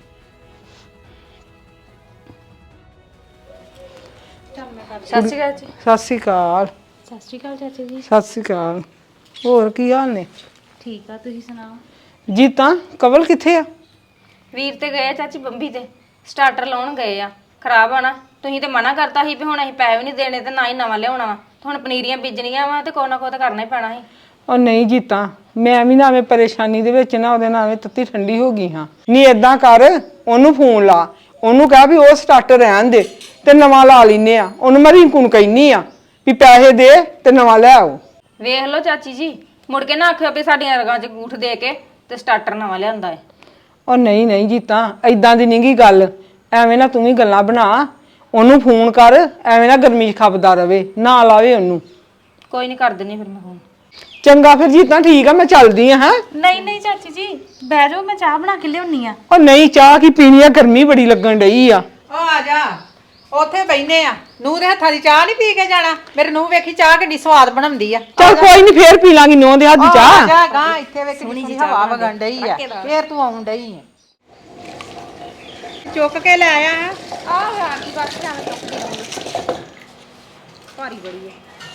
[SPEAKER 5] ਸਤਿ ਸ਼੍ਰੀ ਅਕਾਲ ਜੀ।
[SPEAKER 2] ਸਤਿ ਸ਼੍ਰੀ ਅਕਾਲ।
[SPEAKER 5] ਸਤਿ ਸ਼੍ਰੀ ਅਕਾਲ ਚਾਚੀ ਜੀ।
[SPEAKER 2] ਸਤਿ ਸ਼੍ਰੀ ਅਕਾਲ। ਹੋਰ ਕੀ ਹਾਲ ਨੇ?
[SPEAKER 5] ਠੀਕ ਆ, ਤੁਸੀਂ ਸੁਣਾਓ?
[SPEAKER 2] ਜੀਤਾਂ ਕਵਲ ਕਿੱਥੇ ਆ?
[SPEAKER 4] ਵੀਰ ਤੇ ਗਏ ਆ ਚਾਚੀ ਬੰਬੀ ਤੇ ਸਟਾਰਟਰ ਲਾਉਣ ਗਏ ਆ। ਖਰਾਬ ਆ ਨਾ, ਤੁਸੀਂ ਤੇ ਮਨਾ ਕਰਤਾ ਸੀ ਵੀ ਹੁਣ ਅਸੀਂ ਪੈਸੇ ਵੀ ਨਹੀਂ ਦੇਣੇ ਤੇ ਨਾ ਹੀ ਨਵਾਂ ਲਿਆਉਣਾ ਵਾ। ਹੁਣ ਪਨੀਰੀਆਂ ਬੀਜਣੀਆਂ ਵਾ ਤੇ ਕੋਈ ਨਾ ਕੋਈ ਤਾਂ ਕਰਨਾ ਹੀ ਪੈਣਾ ਸੀ।
[SPEAKER 2] ਉਹ ਨਹੀਂ ਜੀਤਾਂ, ਮੈਂ ਵੀ ਨਾ ਐਵੇਂ ਪਰੇਸ਼ਾਨੀ ਦੇ ਵਿੱਚ ਨਾ ਉਹਦੇ ਨਾਲ ਐਵੇਂ ਤੱਤੀ ਠੰਡੀ ਹੋ ਗਈ ਹਾਂ। ਨਹੀਂ ਏਦਾਂ ਕਰ, ਉਹਨੂੰ ਫੋਨ ਲਾ, ਉਹਨੂੰ ਕਹਿ ਵੀ ਉਹ ਸਟਾਰਟਰ ਰਹਿਣ ਦੇ ਤੇ ਨਵਾਂ ਲਾ ਲੈਨੇ ਆ। ਉਹਨੂੰ ਮੈਂ ਰਿੰਕੂ ਨੂੰ ਕਹਿਨੀ ਆ ਵੀ ਪੈਸੇ ਦੇ ਤੇ ਨਵਾਂ ਲੈ ਆਓ।
[SPEAKER 4] ਵੇਖ ਲਓ ਚਾਚੀ ਜੀ, ਮੁੜ ਕੇ ਨਾ ਆਖਿਓ ਵੀ ਸਾਡੀਆਂ ਰਗਾਂ 'ਚ ਗੂਠ ਦੇ ਕੇ ਤੇ ਸਟਾਰਟਰ ਨਵਾਂ ਲਿਆਂਦਾ ਹੈ।
[SPEAKER 2] ਉਹ ਨਹੀਂ ਨਹੀਂ ਜੀਤਾਂ, ਐਦਾਂ ਦੀ ਨਹੀਂਗੀ ਗੱਲ। ਐਵੇਂ ਨਾ ਤੂੰ ਵੀ ਗੱਲਾਂ ਬਣਾ। ਉਹਨੂੰ ਫੋਨ ਕਰ, ਐਵੇਂ ਨਾ ਗਰਮੀ 'ਚ ਖਪਦਾ ਰਵੇ, ਨਾ ਲਾਵੇ ਉਹਨੂੰ।
[SPEAKER 4] ਕੋਈ ਨਹੀਂ ਕਰ ਦਿੰਨੀ ਫਿਰ ਮੈਂ ਫੋਨ।
[SPEAKER 2] ਚੰਗਾ ਫਿਰ ਜੀਤਾਂ, ਠੀਕ ਆ, ਮੈਂ ਚੱਲਦੀ ਆ। ਹੈ
[SPEAKER 5] ਨਹੀਂ ਨਹੀਂ ਚਾਚੀ ਜੀ, ਬਹਿ ਜਾਓ, ਮੈਂ ਚਾਹ ਬਣਾ ਕੇ ਲਿਆਉਣੀ ਆ।
[SPEAKER 2] ਉਹ ਨਹੀਂ, ਚਾਹ ਕੀ ਪੀਣੀ ਆ, ਗਰਮੀ ਬੜੀ ਲੱਗਣ ਡਈ ਆ।
[SPEAKER 3] ਉਹ ਆ ਜਾ, ਉੱਥੇ ਬੈਠਨੇ ਆ। ਨੂੰਹ ਦੇ ਹੱਥਾਂ ਦੀ ਚਾਹ ਨਹੀਂ ਪੀ ਕੇ ਜਾਣਾ? ਮੇਰੇ ਨੂੰਹ ਵੇਖੀ ਚਾਹ ਕਿੰਨੀ ਸਵਾਦ ਬਣਾਉਂਦੀ ਆ।
[SPEAKER 2] ਚੱਲ ਕੋਈ ਨਹੀਂ, ਫੇਰ ਪੀ ਲਾਂਗੀ ਨੌਂ ਦੇ ਹੱਥ ਦੀ
[SPEAKER 3] ਆ
[SPEAKER 2] ਚਾਹ।
[SPEAKER 3] ਜਾ ਗਾਂ, ਇੱਥੇ ਵੇਖ ਕਿੰਨੀ ਸੋਹਣੀ ਹਵਾ ਵਗਣ ਡਈ ਆ। ਫੇਰ ਤੂੰ ਆਉਣ ਡਈ ਆ। ਚੁੱਕ ਕੇ ਲੈ ਆਇਆ ਹੈ।
[SPEAKER 4] ਆਹ ਆ ਕੀ ਬਾਤ ਜਾਵੇਂ ਚੁੱਕਦੀ ਭਾਰੀ ਬੜੀ ਹੈ।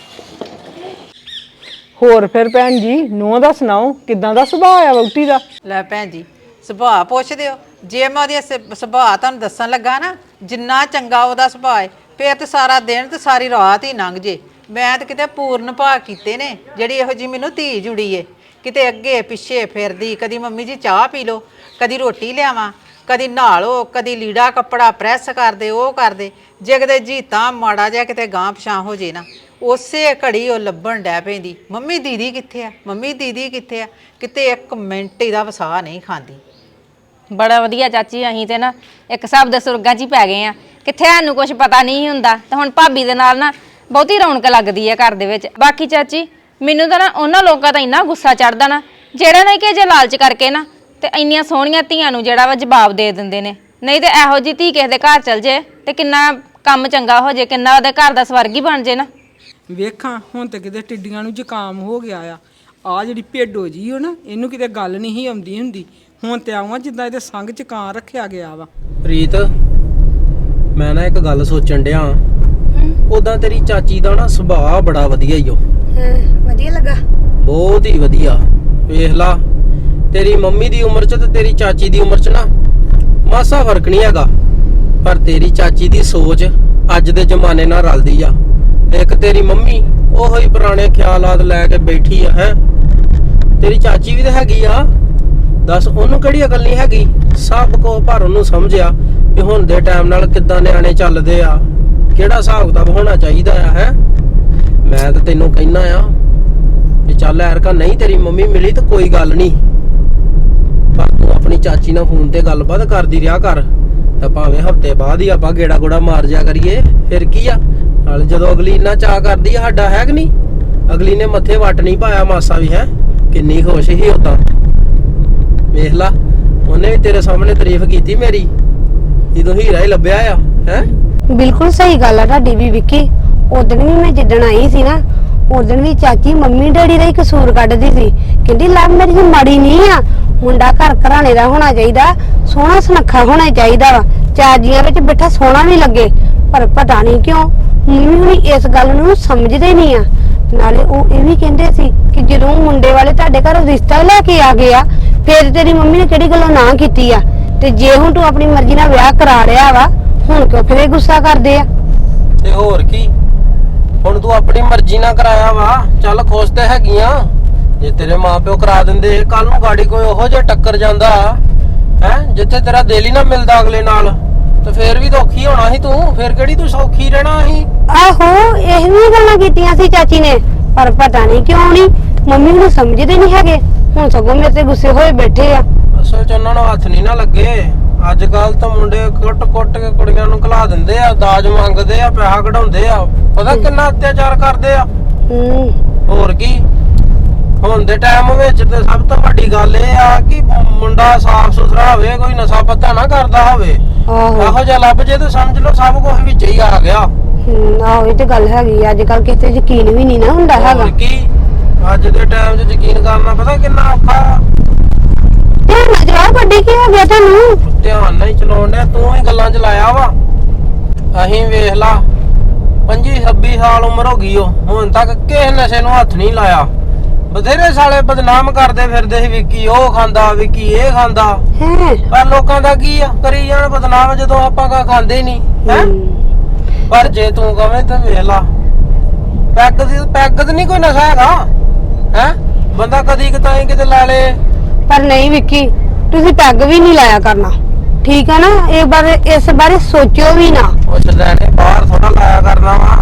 [SPEAKER 2] ਹੋਰ ਫਿਰ ਭੈਣ ਜੀ, ਨੂੰਹ ਦਾ ਸੁਣਾਓ, ਕਿਦਾਂ ਦਾ ਸੁਭਾਅ ਆ ਵਹੁਟੀ ਦਾ?
[SPEAKER 3] ਲੈ ਭੈਣ ਜੀ, ਸੁਭਾਅ ਪੁੱਛਦੇ ਹੋ? ਜੇ ਮੈਂ ਉਹਦੀ ਸੁਭਾਅ ਤੁਹਾਨੂੰ ਦੱਸਣ ਲੱਗਾ ਨਾ, ਜਿੰਨਾ ਚੰਗਾ ਉਹਦਾ ਸੁਭਾਅ ਹੈ, ਫੇਰ ਤੇ ਸਾਰਾ ਦਿਨ ਤੇ ਸਾਰੀ ਰਾਤ ਹੀ ਲੰਘ ਜੇ। ਮੈਂ ਤਾਂ ਕਿਤੇ ਪੂਰਨ ਭਾਅ ਕੀਤੇ ਨੇ ਜਿਹੜੀ ਇਹੋ ਜੀ ਮੈਨੂੰ ਧੀ ਜੁੜੀ ਏ। ਕਿਤੇ ਅੱਗੇ ਪਿੱਛੇ ਫਿਰਦੀ, ਕਦੀ ਮੰਮੀ ਜੀ ਚਾਹ ਪੀ ਲਓ, ਕਦੀ ਰੋਟੀ ਲਿਆਵਾਂ, ਕਦੀ ਨਹਾ ਲਓ, ਕਦੀ ਲੀੜਾ ਕੱਪੜਾ ਪ੍ਰੈਸ ਕਰਦੇ, ਉਹ ਕਰਦੇ। ਜੇ ਕਿਤੇ ਜੀਤਾਂ ਮਾੜਾ ਜਿਹਾ ਕਿਤੇ ਗਾਂ ਪਛਾਂ ਹੋ ਜੇ ਨਾ, ਉਸੇ ਘੜੀ ਉਹ ਲੱਭਣ ਡੈ ਪੈਂਦੀ, ਮੰਮੀ ਦੀਦੀ ਕਿੱਥੇ ਆ, ਮੰਮੀ ਦੀਦੀ ਕਿੱਥੇ ਆ। ਕਿਤੇ ਇੱਕ ਮਿੰਟ ਇਹਦਾ ਵਸਾ ਨਹੀਂ ਖਾਂਦੀ।
[SPEAKER 4] ਬੜਾ ਵਧੀਆ ਚਾਚੀ, ਅਸੀਂ ਤੇ ਨਾ ਇੱਕ ਹਿਸਾਬ ਦੇ ਸੁਰਗਾਂ 'ਚ ਹੀ ਪੈ ਗਏ ਆ। ਕਿੱਥੇ ਸਾਨੂੰ ਕੁਝ ਪਤਾ ਨਹੀਂ ਹੁੰਦਾ ਤੇ ਹੁਣ ਭਾਬੀ ਦੇ ਨਾਲ ਨਾ ਬਹੁਤੀ ਰੌਣਕ ਲੱਗਦੀ ਹੈ ਘਰ ਦੇ ਵਿੱਚ। ਬਾਕੀ ਚਾਚੀ ਮੈਨੂੰ ਤਾਂ ਨਾ ਉਹਨਾਂ ਲੋਕਾਂ ਦਾ ਇੰਨਾ ਗੁੱਸਾ ਚੜਦਾ ਨਾ ਜਿਹੜਾ ਨਾ ਕਿ ਜੇ ਲਾਲਚ ਕਰਕੇ ਨਾ ਤੇ ਇੰਨੀਆਂ ਸੋਹਣੀਆਂ ਧੀਆਂ ਨੂੰ ਜਿਹੜਾ ਵਾ ਜਵਾਬ ਦੇ ਦਿੰਦੇ ਨੇ। ਨਹੀਂ ਤੇ ਇਹੋ ਜਿਹੀ ਧੀ ਕਿਸੇ ਦੇ ਘਰ ਚਲ ਜੇ ਤੇ ਕਿੰਨਾ ਕੰਮ ਚੰਗਾ ਹੋ ਜੇ, ਕਿੰਨਾ ਉਹਦੇ ਘਰ ਦਾ ਸਵਰਗ ਹੀ ਬਣ ਜੇ ਨਾ।
[SPEAKER 2] ਵੇਖਾਂ ਹੁਣ ਤੇ ਕਿਤੇ ਟਿੱਡੀਆਂ ਨੂੰ ਜ਼ੁਕਾਮ ਹੋ ਗਿਆ ਆ। ਆ ਜਿਹੜੀ ਭੇਡੋ ਜੀ ਉਹ ਨਾ, ਇਹਨੂੰ ਕਿਤੇ ਗੱਲ ਨਹੀਂ ਸੀ ਆਉਂਦੀ ਹੁੰਦੀ। ਹੁਣ ਤੇ ਆਵਾਂ ਜਿੱਦਾਂ ਇਹਦੇ ਸੰਗ ਚ ਕਾਂ ਰੱਖਿਆ ਗਿਆ ਵਾ।
[SPEAKER 6] ਪ੍ਰੀਤ, ਮੈਂ ਨਾ ਇੱਕ ਗੱਲ ਸੋਚਣ ਡਿਆ। ਉਦਾਂ ਤੇਰੀ ਚਾਚੀ ਦਾ ਨਾ ਸੁਭਾਅ ਬੜਾ ਵਧੀਆ ਈ ਓ।
[SPEAKER 7] ਵਧੀਆ ਲੱਗਾ?
[SPEAKER 6] ਬਹੁਤ ਹੀ ਵਧੀਆ। ਵੇਖ ਲਾ, ਤੇਰੀ ਮੰਮੀ ਦੀ ਉਮਰ 'ਚ ਤੇ ਤੇਰੀ ਚਾਚੀ ਦੀ ਉਮਰ 'ਚ ਨਾ ਮਾਸਾ ਫਰਕ ਨਹੀਂ ਹੈਗਾ, ਪਰ ਤੇਰੀ ਚਾਚੀ ਦੀ ਸੋਚ ਅੱਜ ਦੇ ਜ਼ਮਾਨੇ ਨਾਲ ਰਲਦੀ ਆ। ਇੱਕ ਤੇਰੀ ਮੰਮੀ ਉਹੋ ਹੀ ਪੁਰਾਣੇ ਖਿਆਲਾਤ ਲੈ ਕੇ ਬੈਠੀ ਆ। ਹੈ ਤੇਰੀ ਚਾਚੀ ਵੀ ਤਾਂ ਹੈਗੀ ਆ, ਦੱਸ ਉਹਨੂੰ ਕਿਹੜੀ ਅਕਲ ਨਹੀਂ ਹੈਗੀ? ਸਭ ਕੋ ਪਰ ਉਹਨੂੰ ਸਮਝਿਆ ਕਿ ਹੁਣ ਦੇ ਟਾਈਮ ਨਾਲ ਕਿੱਦਾਂ ਨਿਆਣੇ ਚੱਲਦੇ ਆ, ਕਿਹੜਾ ਹਿਸਾਬ ਕਿਤਾਬ ਹੋਣਾ ਚਾਹੀਦਾ ਆ। ਹੈ ਮੈਂ ਤਾਂ ਤੈਨੂੰ ਕਹਿਣਾ ਆ ਵੀ ਚੱਲ ਐਰਕਾ ਨਹੀਂ ਤੇਰੀ ਮੰਮੀ ਮਿਲੀ ਤਾਂ ਕੋਈ ਗੱਲ ਨਹੀਂ, ਪਰ ਤੂੰ ਆਪਣੀ ਚਾਚੀ ਨਾਲ ਫੋਨ ਤੇ ਗੱਲਬਾਤ ਕਰਦੀ ਰਿਹਾ ਕਰ। ਤਾਂ ਭਾਵੇਂ ਹਫਤੇ ਬਾਅਦ ਹੀ ਆਪਾਂ ਗੇੜਾ ਗੋੜਾ ਮਾਰ ਜਾ ਕਰੀਏ, ਫਿਰ ਕੀ ਆ। ਨਾਲ ਜਦੋਂ ਅਗਲੀ ਇੰਨਾ ਚਾਅ ਕਰਦੀ ਆ ਸਾਡਾ, ਹੈ ਕਿ ਨਹੀਂ? ਅਗਲੀ ਨੇ ਮੱਥੇ ਵੱਟ ਨਹੀਂ ਪਾਇਆ ਮਾਸਾ ਵੀ। ਹੈ ਕਿੰਨੀ ਖੁਸ਼ ਸੀ ਉਦਾਂ, ਵੇਖ ਲਾ। ਉਹਨੇ ਵੀ ਤੇਰੇ ਸਾਹਮਣੇ ਤਾਰੀਫ ਕੀਤੀ ਮੇਰੀ, ਜਦੋਂ ਹੀਰਾ ਹੀ ਲੱਭਿਆ ਆ। ਹੈ
[SPEAKER 7] ਬਿਲਕੁਲ ਸਹੀ ਗੱਲ ਆ ਤੁਹਾਡੀ ਵੀ ਵਿੱਕੀ। ਉਦੋਂ ਵੀ ਮੈਂ ਜਿੱਦਣ ਆਈ ਸੀ ਨਾ, ਉਦੋਂ ਵੀ ਚਾਚੀ ਮੰਮੀ ਡੈਡੀ ਦਾ ਹੀ ਕਸੂਰ ਕੱਢਦੀ ਸੀ। ਕਹਿੰਦੀ ਲੱਭ ਮੇਰੀ ਮਾੜੀ ਨਹੀਂ ਆ, ਮੁੰਡਾ ਘਰ ਘਰਾਣੇ ਦਾ ਹੋਣਾ ਚਾਹੀਦਾ, ਸੋਹਣਾ ਸੁਨੱਖਾ ਹੋਣਾ ਚਾਹੀਦਾ ਵਾ, ਚਾਜੀਆਂ ਵਿੱਚ ਬੈਠਾ ਸੋਹਣਾ ਵੀ ਲੱਗੇ। ਪਰ ਪਤਾ ਨਹੀਂ ਕਿਉਂ ਮੰਮੀ ਹੁਣੀ ਇਸ ਗੱਲ ਨੂੰ ਸਮਝਦੇ ਨਹੀਂ ਆ ਨਾਲੇ ਉਹ ਇਹ ਵੀ ਕਹਿੰਦੇ ਸੀ ਕਿ ਜਦੋਂ ਮੁੰਡੇ ਵਾਲੇ ਤੁਹਾਡੇ ਘਰ ਰਿਸ਼ਤਾ ਲੈ ਕੇ ਆ ਗਏ ਆ ਫਿਰ ਤੇਰੀ ਮੰਮੀ ਨੇ ਕਿਹੜੀ ਗੱਲੋਂ ਨਾ ਕੀਤੀ ਆ ਤੇ ਜੇ ਹੁਣ ਤੂੰ ਆਪਣੀ ਮਰਜ਼ੀ ਨਾਲ ਵਿਆਹ ਕਰਾ ਲਿਆ ਵਾ ਹੁਣ ਕਿਉਂ ਫਿਰ ਇਹ ਗੁੱਸਾ ਕਰਦੇ ਆ?
[SPEAKER 6] ਤੇ ਹੋਰ ਕੀ, ਹੁਣ ਤੂੰ ਆਪਣੀ ਮਰਜ਼ੀ ਨਾਲ ਕਰਾਇਆ ਵਾ, ਚੱਲ ਖੁਸ਼ ਤੇ ਹੈਗੀਆਂ। ਜੇ ਤੇਰੇ ਮਾਪਿਓ ਕਰਾ ਦਿੰਦੇ, ਕੱਲ ਨੂੰ ਗਾੜੀ ਕੋਈ ਉਹੋ ਜਿਹਾ ਟੱਕਰ ਜਾਂਦਾ ਹੈ ਜਿੱਥੇ ਤੇਰਾ ਦਿਲ ਹੀ ਨਾ ਮਿਲਦਾ ਅਗਲੇ ਨਾਲ, ਤੇ ਫੇਰ ਵੀ ਤਾਂ ਔਖੀ ਹੋਣਾ ਸੀ ਤੂੰ, ਫੇਰ ਕਿਹੜੀ ਤੂੰ ਸੌਖੀ ਰਹਿਣਾ ਸੀ।
[SPEAKER 7] ਆਹੋ ਇਹ ਵੀ ਗੱਲਾਂ ਕੀਤੀਆਂ ਸੀ ਚਾਚੀ ਨੇ, ਪਰ ਪਤਾ ਨਹੀਂ ਕਿਉਂ ਨਹੀਂ ਮੰਮੀ ਨੂੰ ਸਮਝਦੇ ਨਹੀਂ ਹੈਗੇ, ਹੁਣ ਸਗੋਂ ਮੇਰੇ ਤੇ ਗੁੱਸੇ ਹੋਏ ਬੈਠੇ ਆ।
[SPEAKER 6] ਅਸਲ ਚ ਉਹਨਾਂ ਨੂੰ ਹੱਥ ਨਹੀਂ ਨਾ ਲੱਗੇ। ਅੱਜ ਕੱਲ ਤਾਂ ਮੁੰਡੇ ਕੁੱਟ-ਕੁੱਟ ਕੇ ਕੁੜੀਆਂ ਨੂੰ ਘਲਾ ਦਿੰਦੇ ਆ, ਦਾਜ ਮੰਗਦੇ ਆ, ਪੈਸਾ ਕਢਾਉਂਦੇ ਆ, ਪਤਾ ਕਿੰਨਾ ਅਤਿਆਚਾਰ ਕਰਦੇ ਆ।
[SPEAKER 7] ਹੂੰ
[SPEAKER 6] ਹੋਰ ਕੀ, ਹੁਣ ਦੇ ਟਾਈਮ ਵਿੱਚ ਤੇ ਸਭ ਤੋਂ ਵੱਡੀ ਗੱਲ ਇਹ ਆ ਕਿ ਮੁੰਡਾ ਸਾਫ ਸੁਥਰਾ ਹੋਵੇ, ਕੋਈ ਨਸ਼ਾ ਪੱਤਾ ਨਾ ਕਰਦਾ ਹੋਵੇ।
[SPEAKER 7] ਆਹੋ
[SPEAKER 6] ਇਹੋ ਜਿਹਾ ਲੱਭ ਜੇ ਤੇ ਸਮਝ ਲਓ ਸਭ ਕੁਝ ਵਿੱਚ ਹੀ ਆ ਗਿਆ।
[SPEAKER 7] ਹੂੰ ਆਹੋ ਇਹ ਤੇ ਗੱਲ ਹੈਗੀ, ਅੱਜ ਕੱਲ ਕਿਸੇ ਤੇ ਯਕੀਨ ਵੀ ਨਹੀਂ ਨਾ ਹੁੰਦਾ ਹੈਗਾ।
[SPEAKER 6] ਹੋਰ ਕੀ, ਅੱਜ ਦੇ ਟਾਈਮ 'ਚ ਯਕੀਨ ਕਰਨਾ ਪਤਾ ਕਿੰਨਾ ਔਖਾ ਆ।
[SPEAKER 7] ਧਿਆਨ ਨਾਲ ਚਲਾਓ ਗੱਡੀ, ਕੀ ਹੋ ਗਿਆ ਤੁਹਾਨੂੰ?
[SPEAKER 6] ਧਿਆਨ ਨਾਲ ਹੀ ਚਲਾਉਣ ਡਿਆ, ਤੂੰ ਹੀ ਗੱਲਾਂ 'ਚ ਲਾਇਆ ਵਾ। ਅਸੀਂ ਵੇਖ ਲਾ ਪੱਚੀ ਛੱਬੀ ਸਾਲ ਉਮਰ ਹੋ ਗਈ, ਉਹ ਹੁਣ ਤੱਕ ਕਿਸੇ ਨਸ਼ੇ ਨੂੰ ਹੱਥ ਨਹੀਂ ਲਾਇਆ। ਬਥੇਰੇ ਸਾਲੇ ਬਦਨਾਮ ਕਰਦੇ ਫਿਰਦੇ ਸੀ, ਵਿੱਕੀ ਉਹ ਖਾਂਦਾ, ਵਿੱਕੀ ਇਹ ਖਾਂਦਾ,
[SPEAKER 7] ਹੈ
[SPEAKER 6] ਪਰ ਲੋਕਾਂ ਦਾ ਕੀ ਆ, ਕਰੀ ਜਾਣ ਬਦਨਾਮ ਜਦੋਂ ਆਪਾਂ ਕਾ ਖਾਂਦੇ ਹੀ ਨਹੀਂ ਹੈ। ਪਰ ਜੇ ਤੂੰ ਕਵੇਂ ਤਾਂ ਵੇਖ ਲਾ, ਪੈਗ ਦੀ ਪੈਗ ਤੇ ਨਹੀਂ ਕੋਈ ਨਸ਼ਾ ਹੈਗਾ ਹੈ, ਬੰਦਾ ਕਦੀ ਕਿਤਾਈ ਕਿਤੇ ਲਾ ਲੇ।
[SPEAKER 7] ਪਰ ਨਹੀਂ ਵਿੱਕੀ, ਤੁਸੀਂ ਪੈਗ ਵੀ ਨਹੀਂ ਲਾਇਆ ਕਰਨਾ, ਠੀਕ ਆ ਨਾ? ਇਹ ਬਾਰੇ ਇਸ ਬਾਰੇ ਸੋਚਿਓ ਵੀ ਨਾ।
[SPEAKER 6] ਉਹ ਚਲਾਣੇ ਬਾਹਰ ਥੋੜਾ ਲਾਇਆ ਕਰਨਾ ਵਾ,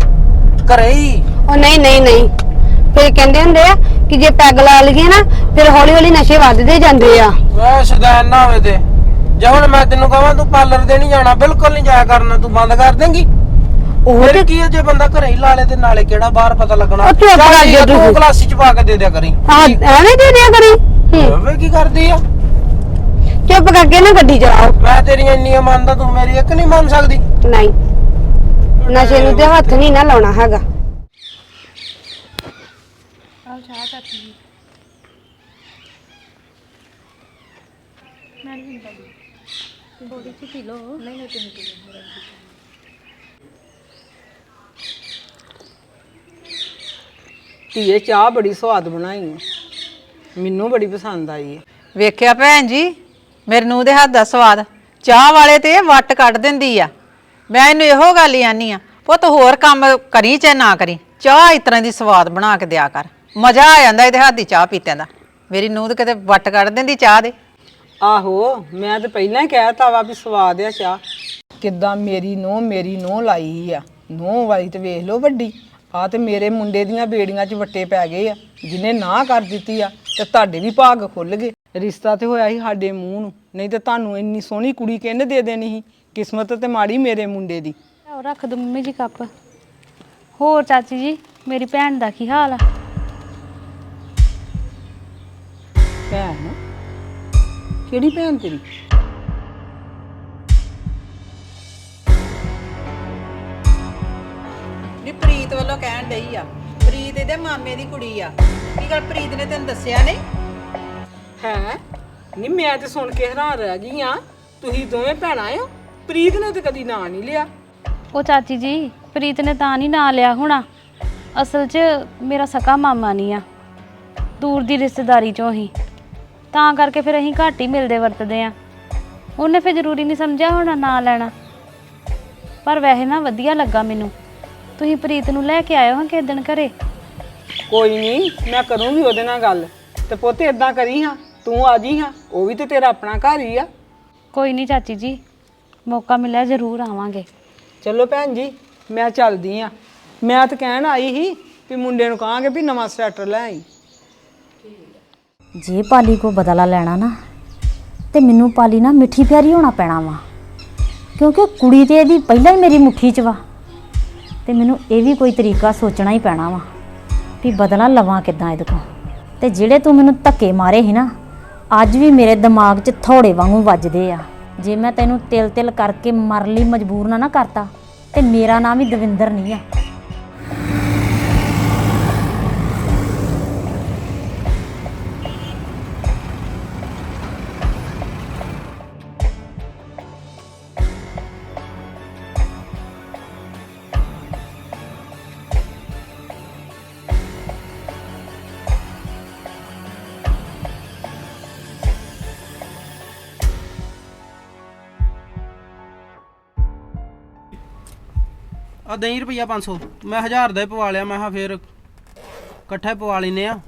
[SPEAKER 6] ਘਰੇ ਹੀ।
[SPEAKER 7] ਉਹ ਨਹੀਂ ਨਹੀਂ ਨਹੀਂ, ਫਿਰ ਕਹਿੰਦੇ ਹੁੰਦੇ ਆ ਕਿ ਜੇ ਪੈਗ ਲਾ ਲਈਏ ਨਾ ਫਿਰ ਹੌਲੀ ਹੌਲੀ ਨਸ਼ੇ ਵੱਧਦੇ ਜਾਂਦੇ ਆ।
[SPEAKER 6] ਵੇ ਸ਼ੈਤਾਨ ਨਾ ਹੋਵੇ ਤੇ, ਜੇ ਹੁਣ ਮੈਂ ਤੈਨੂੰ ਕਹਾਂ ਤੂੰ ਪਾਰਲਰ ਦੇ ਨਹੀਂ ਜਾਣਾ, ਬਿਲਕੁਲ ਨਹੀਂ ਜਾਇਆ ਕਰਨਾ, ਤੂੰ ਬੰਦ ਕਰ ਦੇਂਗੀ।
[SPEAKER 7] ਉਹ
[SPEAKER 6] ਫਿਰ
[SPEAKER 7] ਤੇ
[SPEAKER 6] ਕੀ ਹੈ, ਜੇ ਬੰਦਾ ਘਰੇ ਹੀ ਲਾ ਲੇ ਤੇ ਨਾਲੇ ਕਿਹੜਾ ਬਾਹਰ ਪਤਾ ਲੱਗਣਾ।
[SPEAKER 7] ਉਹ ਚੁੱਪ ਕਰ ਜਾ
[SPEAKER 6] ਤੂੰ
[SPEAKER 7] ਤੂੰ।
[SPEAKER 6] ਕਲਾਸੀ ਚ ਪਾ ਕੇ ਦੇ ਦਿਆ ਕਰੀ।
[SPEAKER 7] ਹਾਂ ਐਵੇਂ ਦੇ ਦਿਆ ਕਰੀ। ਹੂੰ,
[SPEAKER 6] ਵੇ ਕੀ ਕਰਦੀ ਆ,
[SPEAKER 7] ਚੁੱਪ ਕਰਕੇ ਨਾ ਗੱਡੀ ਚਲਾਓ।
[SPEAKER 6] ਮੈਂ ਤੇਰੀਆਂ ਇੰਨੀਆਂ ਮੰਨਦਾ, ਤੂੰ ਮੇਰੀ ਇੱਕ ਨਹੀਂ ਮੰਨ ਸਕਦੀ।
[SPEAKER 7] ਨਹੀਂ, ਨਸ਼ੇ ਨੂੰ ਤੇ ਹੱਥ ਨਹੀਂ ਨਾ ਲਾਉਣਾ ਹੈਗਾ।
[SPEAKER 5] ਆਹ ਚਾਹ ਚਾਚੀ ਜੀ ਮੈਂ ਨਹੀਂ ਪੀਂਦਾ, ਥੋੜੀ ਜਿਹੀ ਪੀ ਲਓ। ਨਹੀਂ ਨਹੀਂ ਤੁਸੀਂ ਪੀ ਲਓ।
[SPEAKER 2] ਧੀਏ ਚਾਹ ਬੜੀ ਸਵਾਦ ਬਣਾਈ ਹੈ, ਮੈਨੂੰ ਬੜੀ ਪਸੰਦ ਆਈ ਹੈ।
[SPEAKER 3] ਵੇਖਿਆ ਭੈਣ ਜੀ, ਮੇਰੇ ਨੂੰ ਦੇ ਹੱਥ ਦਾ ਸਵਾਦ, ਚਾਹ ਵਾਲੇ ਤੇ ਇਹ ਵੱਟ ਕੱਢ ਦਿੰਦੀ ਆ। ਮੈਂ ਇਹਨੂੰ ਇਹੋ ਗੱਲ ਹੀ ਆਨੀ ਆ, ਪੁੱਤ ਹੋਰ ਕੰਮ ਕਰੀ ਚਾਹੇ ਨਾ ਕਰੀ, ਚਾਹ ਇਸ ਤਰ੍ਹਾਂ ਦੀ ਸਵਾਦ ਬਣਾ ਕੇ ਦਿਆ ਕਰ, ਮਜ਼ਾ ਆ ਜਾਂਦਾ ਇਹਦੇ ਹੱਥ ਦੀ ਚਾਹ ਪੀਤਿਆਂ ਦਾ। ਮੇਰੀ ਨੂੰਹ ਤੇ ਕਿਤੇ ਵੱਟ ਕੱਢ ਦਿੰਦੀ ਚਾਹ ਦੇ।
[SPEAKER 2] ਆਹੋ ਮੈਂ ਤਾਂ ਪਹਿਲਾਂ ਹੀ ਕਹਿਤਾ ਵਾ ਵੀ ਸਵਾਦ ਆ ਚਾਹ। ਕਿੱਦਾਂ ਮੇਰੀ ਨੂੰਹ ਮੇਰੀ ਨੂੰਹ ਲਾਈ ਆ, ਨੂੰਹ ਵਾਲੀ ਤੇ ਵੇਖ ਲਓ ਵੱਡੀ ਆ, ਤੇ ਮੇਰੇ ਮੁੰਡੇ ਦੀਆਂ ਬੇੜੀਆਂ 'ਚ ਵੱਟੇ ਪੈ ਗਏ ਆ, ਜਿਹਨੇ ਨਾ ਕਰ ਦਿੱਤੀ ਆ ਤੇ ਤੁਹਾਡੇ ਵੀ ਭਾਗ ਖੁੱਲ ਗਏ। ਰਿਸ਼ਤਾ ਤੇ ਹੋਇਆ ਸੀ ਸਾਡੇ ਮੂੰਹ ਨੂੰ, ਨਹੀਂ ਤੇ ਤੁਹਾਨੂੰ ਇੰਨੀ ਸੋਹਣੀ ਕੁੜੀ ਕਿਹਨੇ ਦੇ ਦੇਣੀ ਸੀ। ਕਿਸਮਤ ਤੇ ਮਾੜੀ ਮੇਰੇ ਮੁੰਡੇ ਦੀ।
[SPEAKER 5] ਆਓ ਰੱਖ ਦੋ ਮੰਮੀ ਜੀ ਕੱਪ। ਹੋਰ ਚਾਚੀ ਜੀ ਮੇਰੀ ਭੈਣ ਦਾ ਕੀ ਹਾਲ ਆ?
[SPEAKER 2] ਭੈਣ? ਕਿਹੜੀ ਭੈਣ ਤੇਰੀ?
[SPEAKER 3] ਨੀ ਪ੍ਰੀਤ ਵੱਲੋਂ ਕਹਿਣ ਡਈ ਆ, ਪ੍ਰੀਤ ਇਹਦੇ ਮਾਮੇ ਦੀ ਕੁੜੀ ਆ। ਕੀ ਗੱਲ ਪ੍ਰੀਤ ਨੇ ਤੈਨੂੰ ਦੱਸਿਆ ਨਹੀਂ?
[SPEAKER 2] ਹੈ ਨਹੀਂ, ਮੈਂ ਤੇ ਸੁਣ ਕੇ ਹੈਰਾਨ ਰਹਿ ਗਈ ਆ, ਤੁਸੀਂ ਦੋਵੇਂ ਭੈਣਾਂ ਹੋ। ਪ੍ਰੀਤ ਨੇ ਤੇ ਕਦੀ ਨਾਂ ਨਹੀਂ ਲਿਆ।
[SPEAKER 5] ਉਹ ਚਾਚੀ ਜੀ ਪ੍ਰੀਤ ਨੇ ਤਾਂ ਨਹੀਂ ਨਾਂ ਲਿਆ ਹੋਣਾ, ਅਸਲ 'ਚ ਮੇਰਾ ਸਕਾ ਮਾਮਾ ਨਹੀਂ ਆ, ਦੂਰ ਦੀ ਰਿਸ਼ਤੇਦਾਰੀ 'ਚੋਂ ਹੀ, ਤਾਂ ਕਰਕੇ ਫਿਰ ਅਸੀਂ ਘੱਟ ਹੀ ਮਿਲਦੇ ਵਰਤਦੇ ਆ। ਉਹਨੇ ਫਿਰ ਜ਼ਰੂਰੀ ਨਹੀਂ ਸਮਝਿਆ ਹੋਣਾ ਨਾਂ ਲੈਣਾ। ਪਰ ਵੈਸੇ ਨਾ ਵਧੀਆ ਲੱਗਾ ਮੈਨੂੰ, ਤੁਸੀਂ ਪ੍ਰੀਤ ਨੂੰ ਲੈ ਕੇ ਆਇਓ ਹਾਂ ਕਿਸੇ ਦਿਨ ਘਰੇ।
[SPEAKER 2] ਕੋਈ ਨਹੀਂ, ਮੈਂ ਕਰੂੰਗੀ ਉਹਦੇ ਨਾਲ ਗੱਲ। ਤੇ ਪੁੱਤ ਇਦਾਂ ਕਰੀ ਹਾਂ, ਤੂੰ ਆ ਜੀ ਹਾਂ, ਉਹ ਵੀ ਤੇ ਤੇਰਾ ਆਪਣਾ ਘਰ ਹੀ ਆ।
[SPEAKER 5] ਕੋਈ ਨਹੀਂ ਚਾਚੀ ਜੀ, ਮੌਕਾ ਮਿਲਿਆ ਜ਼ਰੂਰ ਆਵਾਂਗੇ।
[SPEAKER 2] ਚਲੋ ਭੈਣ ਜੀ ਮੈਂ ਚੱਲਦੀ ਆ। ਮੈਂ ਤਾਂ ਕਹਿਣ ਆਈ ਸੀ ਵੀ ਮੁੰਡੇ ਨੂੰ ਕਹਾਂਗੇ ਵੀ ਨਵਾਂ ਸਵੈਟਰ ਲੈ ਆਈ।
[SPEAKER 8] ਜੇ ਪਾਲੀ ਕੋ ਬਦਲਾ ਲੈਣਾ ਨਾ ਤੇ ਮੈਨੂੰ ਪਾਲੀ ਨਾ ਮਿੱਠੀ ਪਿਆਰੀ ਹੋਣਾ ਪੈਣਾ ਵਾ, ਕਿਉਂਕਿ ਕੁੜੀ ਤੇ ਇਹਦੀ ਪਹਿਲਾਂ ਹੀ ਮੇਰੀ ਮੁੱਠੀ 'ਚ ਵਾ, ਤੇ ਮੈਨੂੰ ਇਹ ਵੀ ਕੋਈ ਤਰੀਕਾ ਸੋਚਣਾ ਹੀ ਪੈਣਾ ਵਾ ਵੀ ਬਦਲਾ ਲਵਾਂ ਕਿੱਦਾਂ ਇਹਦੇ ਕੋਲ। ਤੇ ਜਿਹੜੇ ਤੂੰ ਮੈਨੂੰ ਧੱਕੇ ਮਾਰੇ ਸੀ ਨਾ, ਅੱਜ ਵੀ ਮੇਰੇ ਦਿਮਾਗ 'ਚ ਥੋੜੇ ਵਾਂਗੂ ਵੱਜਦੇ ਆ। ਜੇ ਮੈਂ ਤੈਨੂੰ ਤਿਲ ਤਿਲ ਕਰਕੇ ਮਰਨ ਲਈ ਮਜਬੂਰ ਨਾ ਨਾ ਕਰਤਾ ਤੇ ਮੇਰਾ ਨਾਮ ਵੀ ਦਵਿੰਦਰ ਨਹੀਂ ਆ।
[SPEAKER 6] ਆ ਦਹੀਂ ਰੁਪਈਆ ਪੰਜ ਸੌ ਮੈਂ ਹਜ਼ਾਰ ਦਾ ਹੀ ਪਵਾ ਲਿਆ ਮੈਂ ਕਿਹਾ ਫੇਰ ਇਕੱਠਾ ਹੀ ਪਵਾ ਲੈਨੇ ਆ।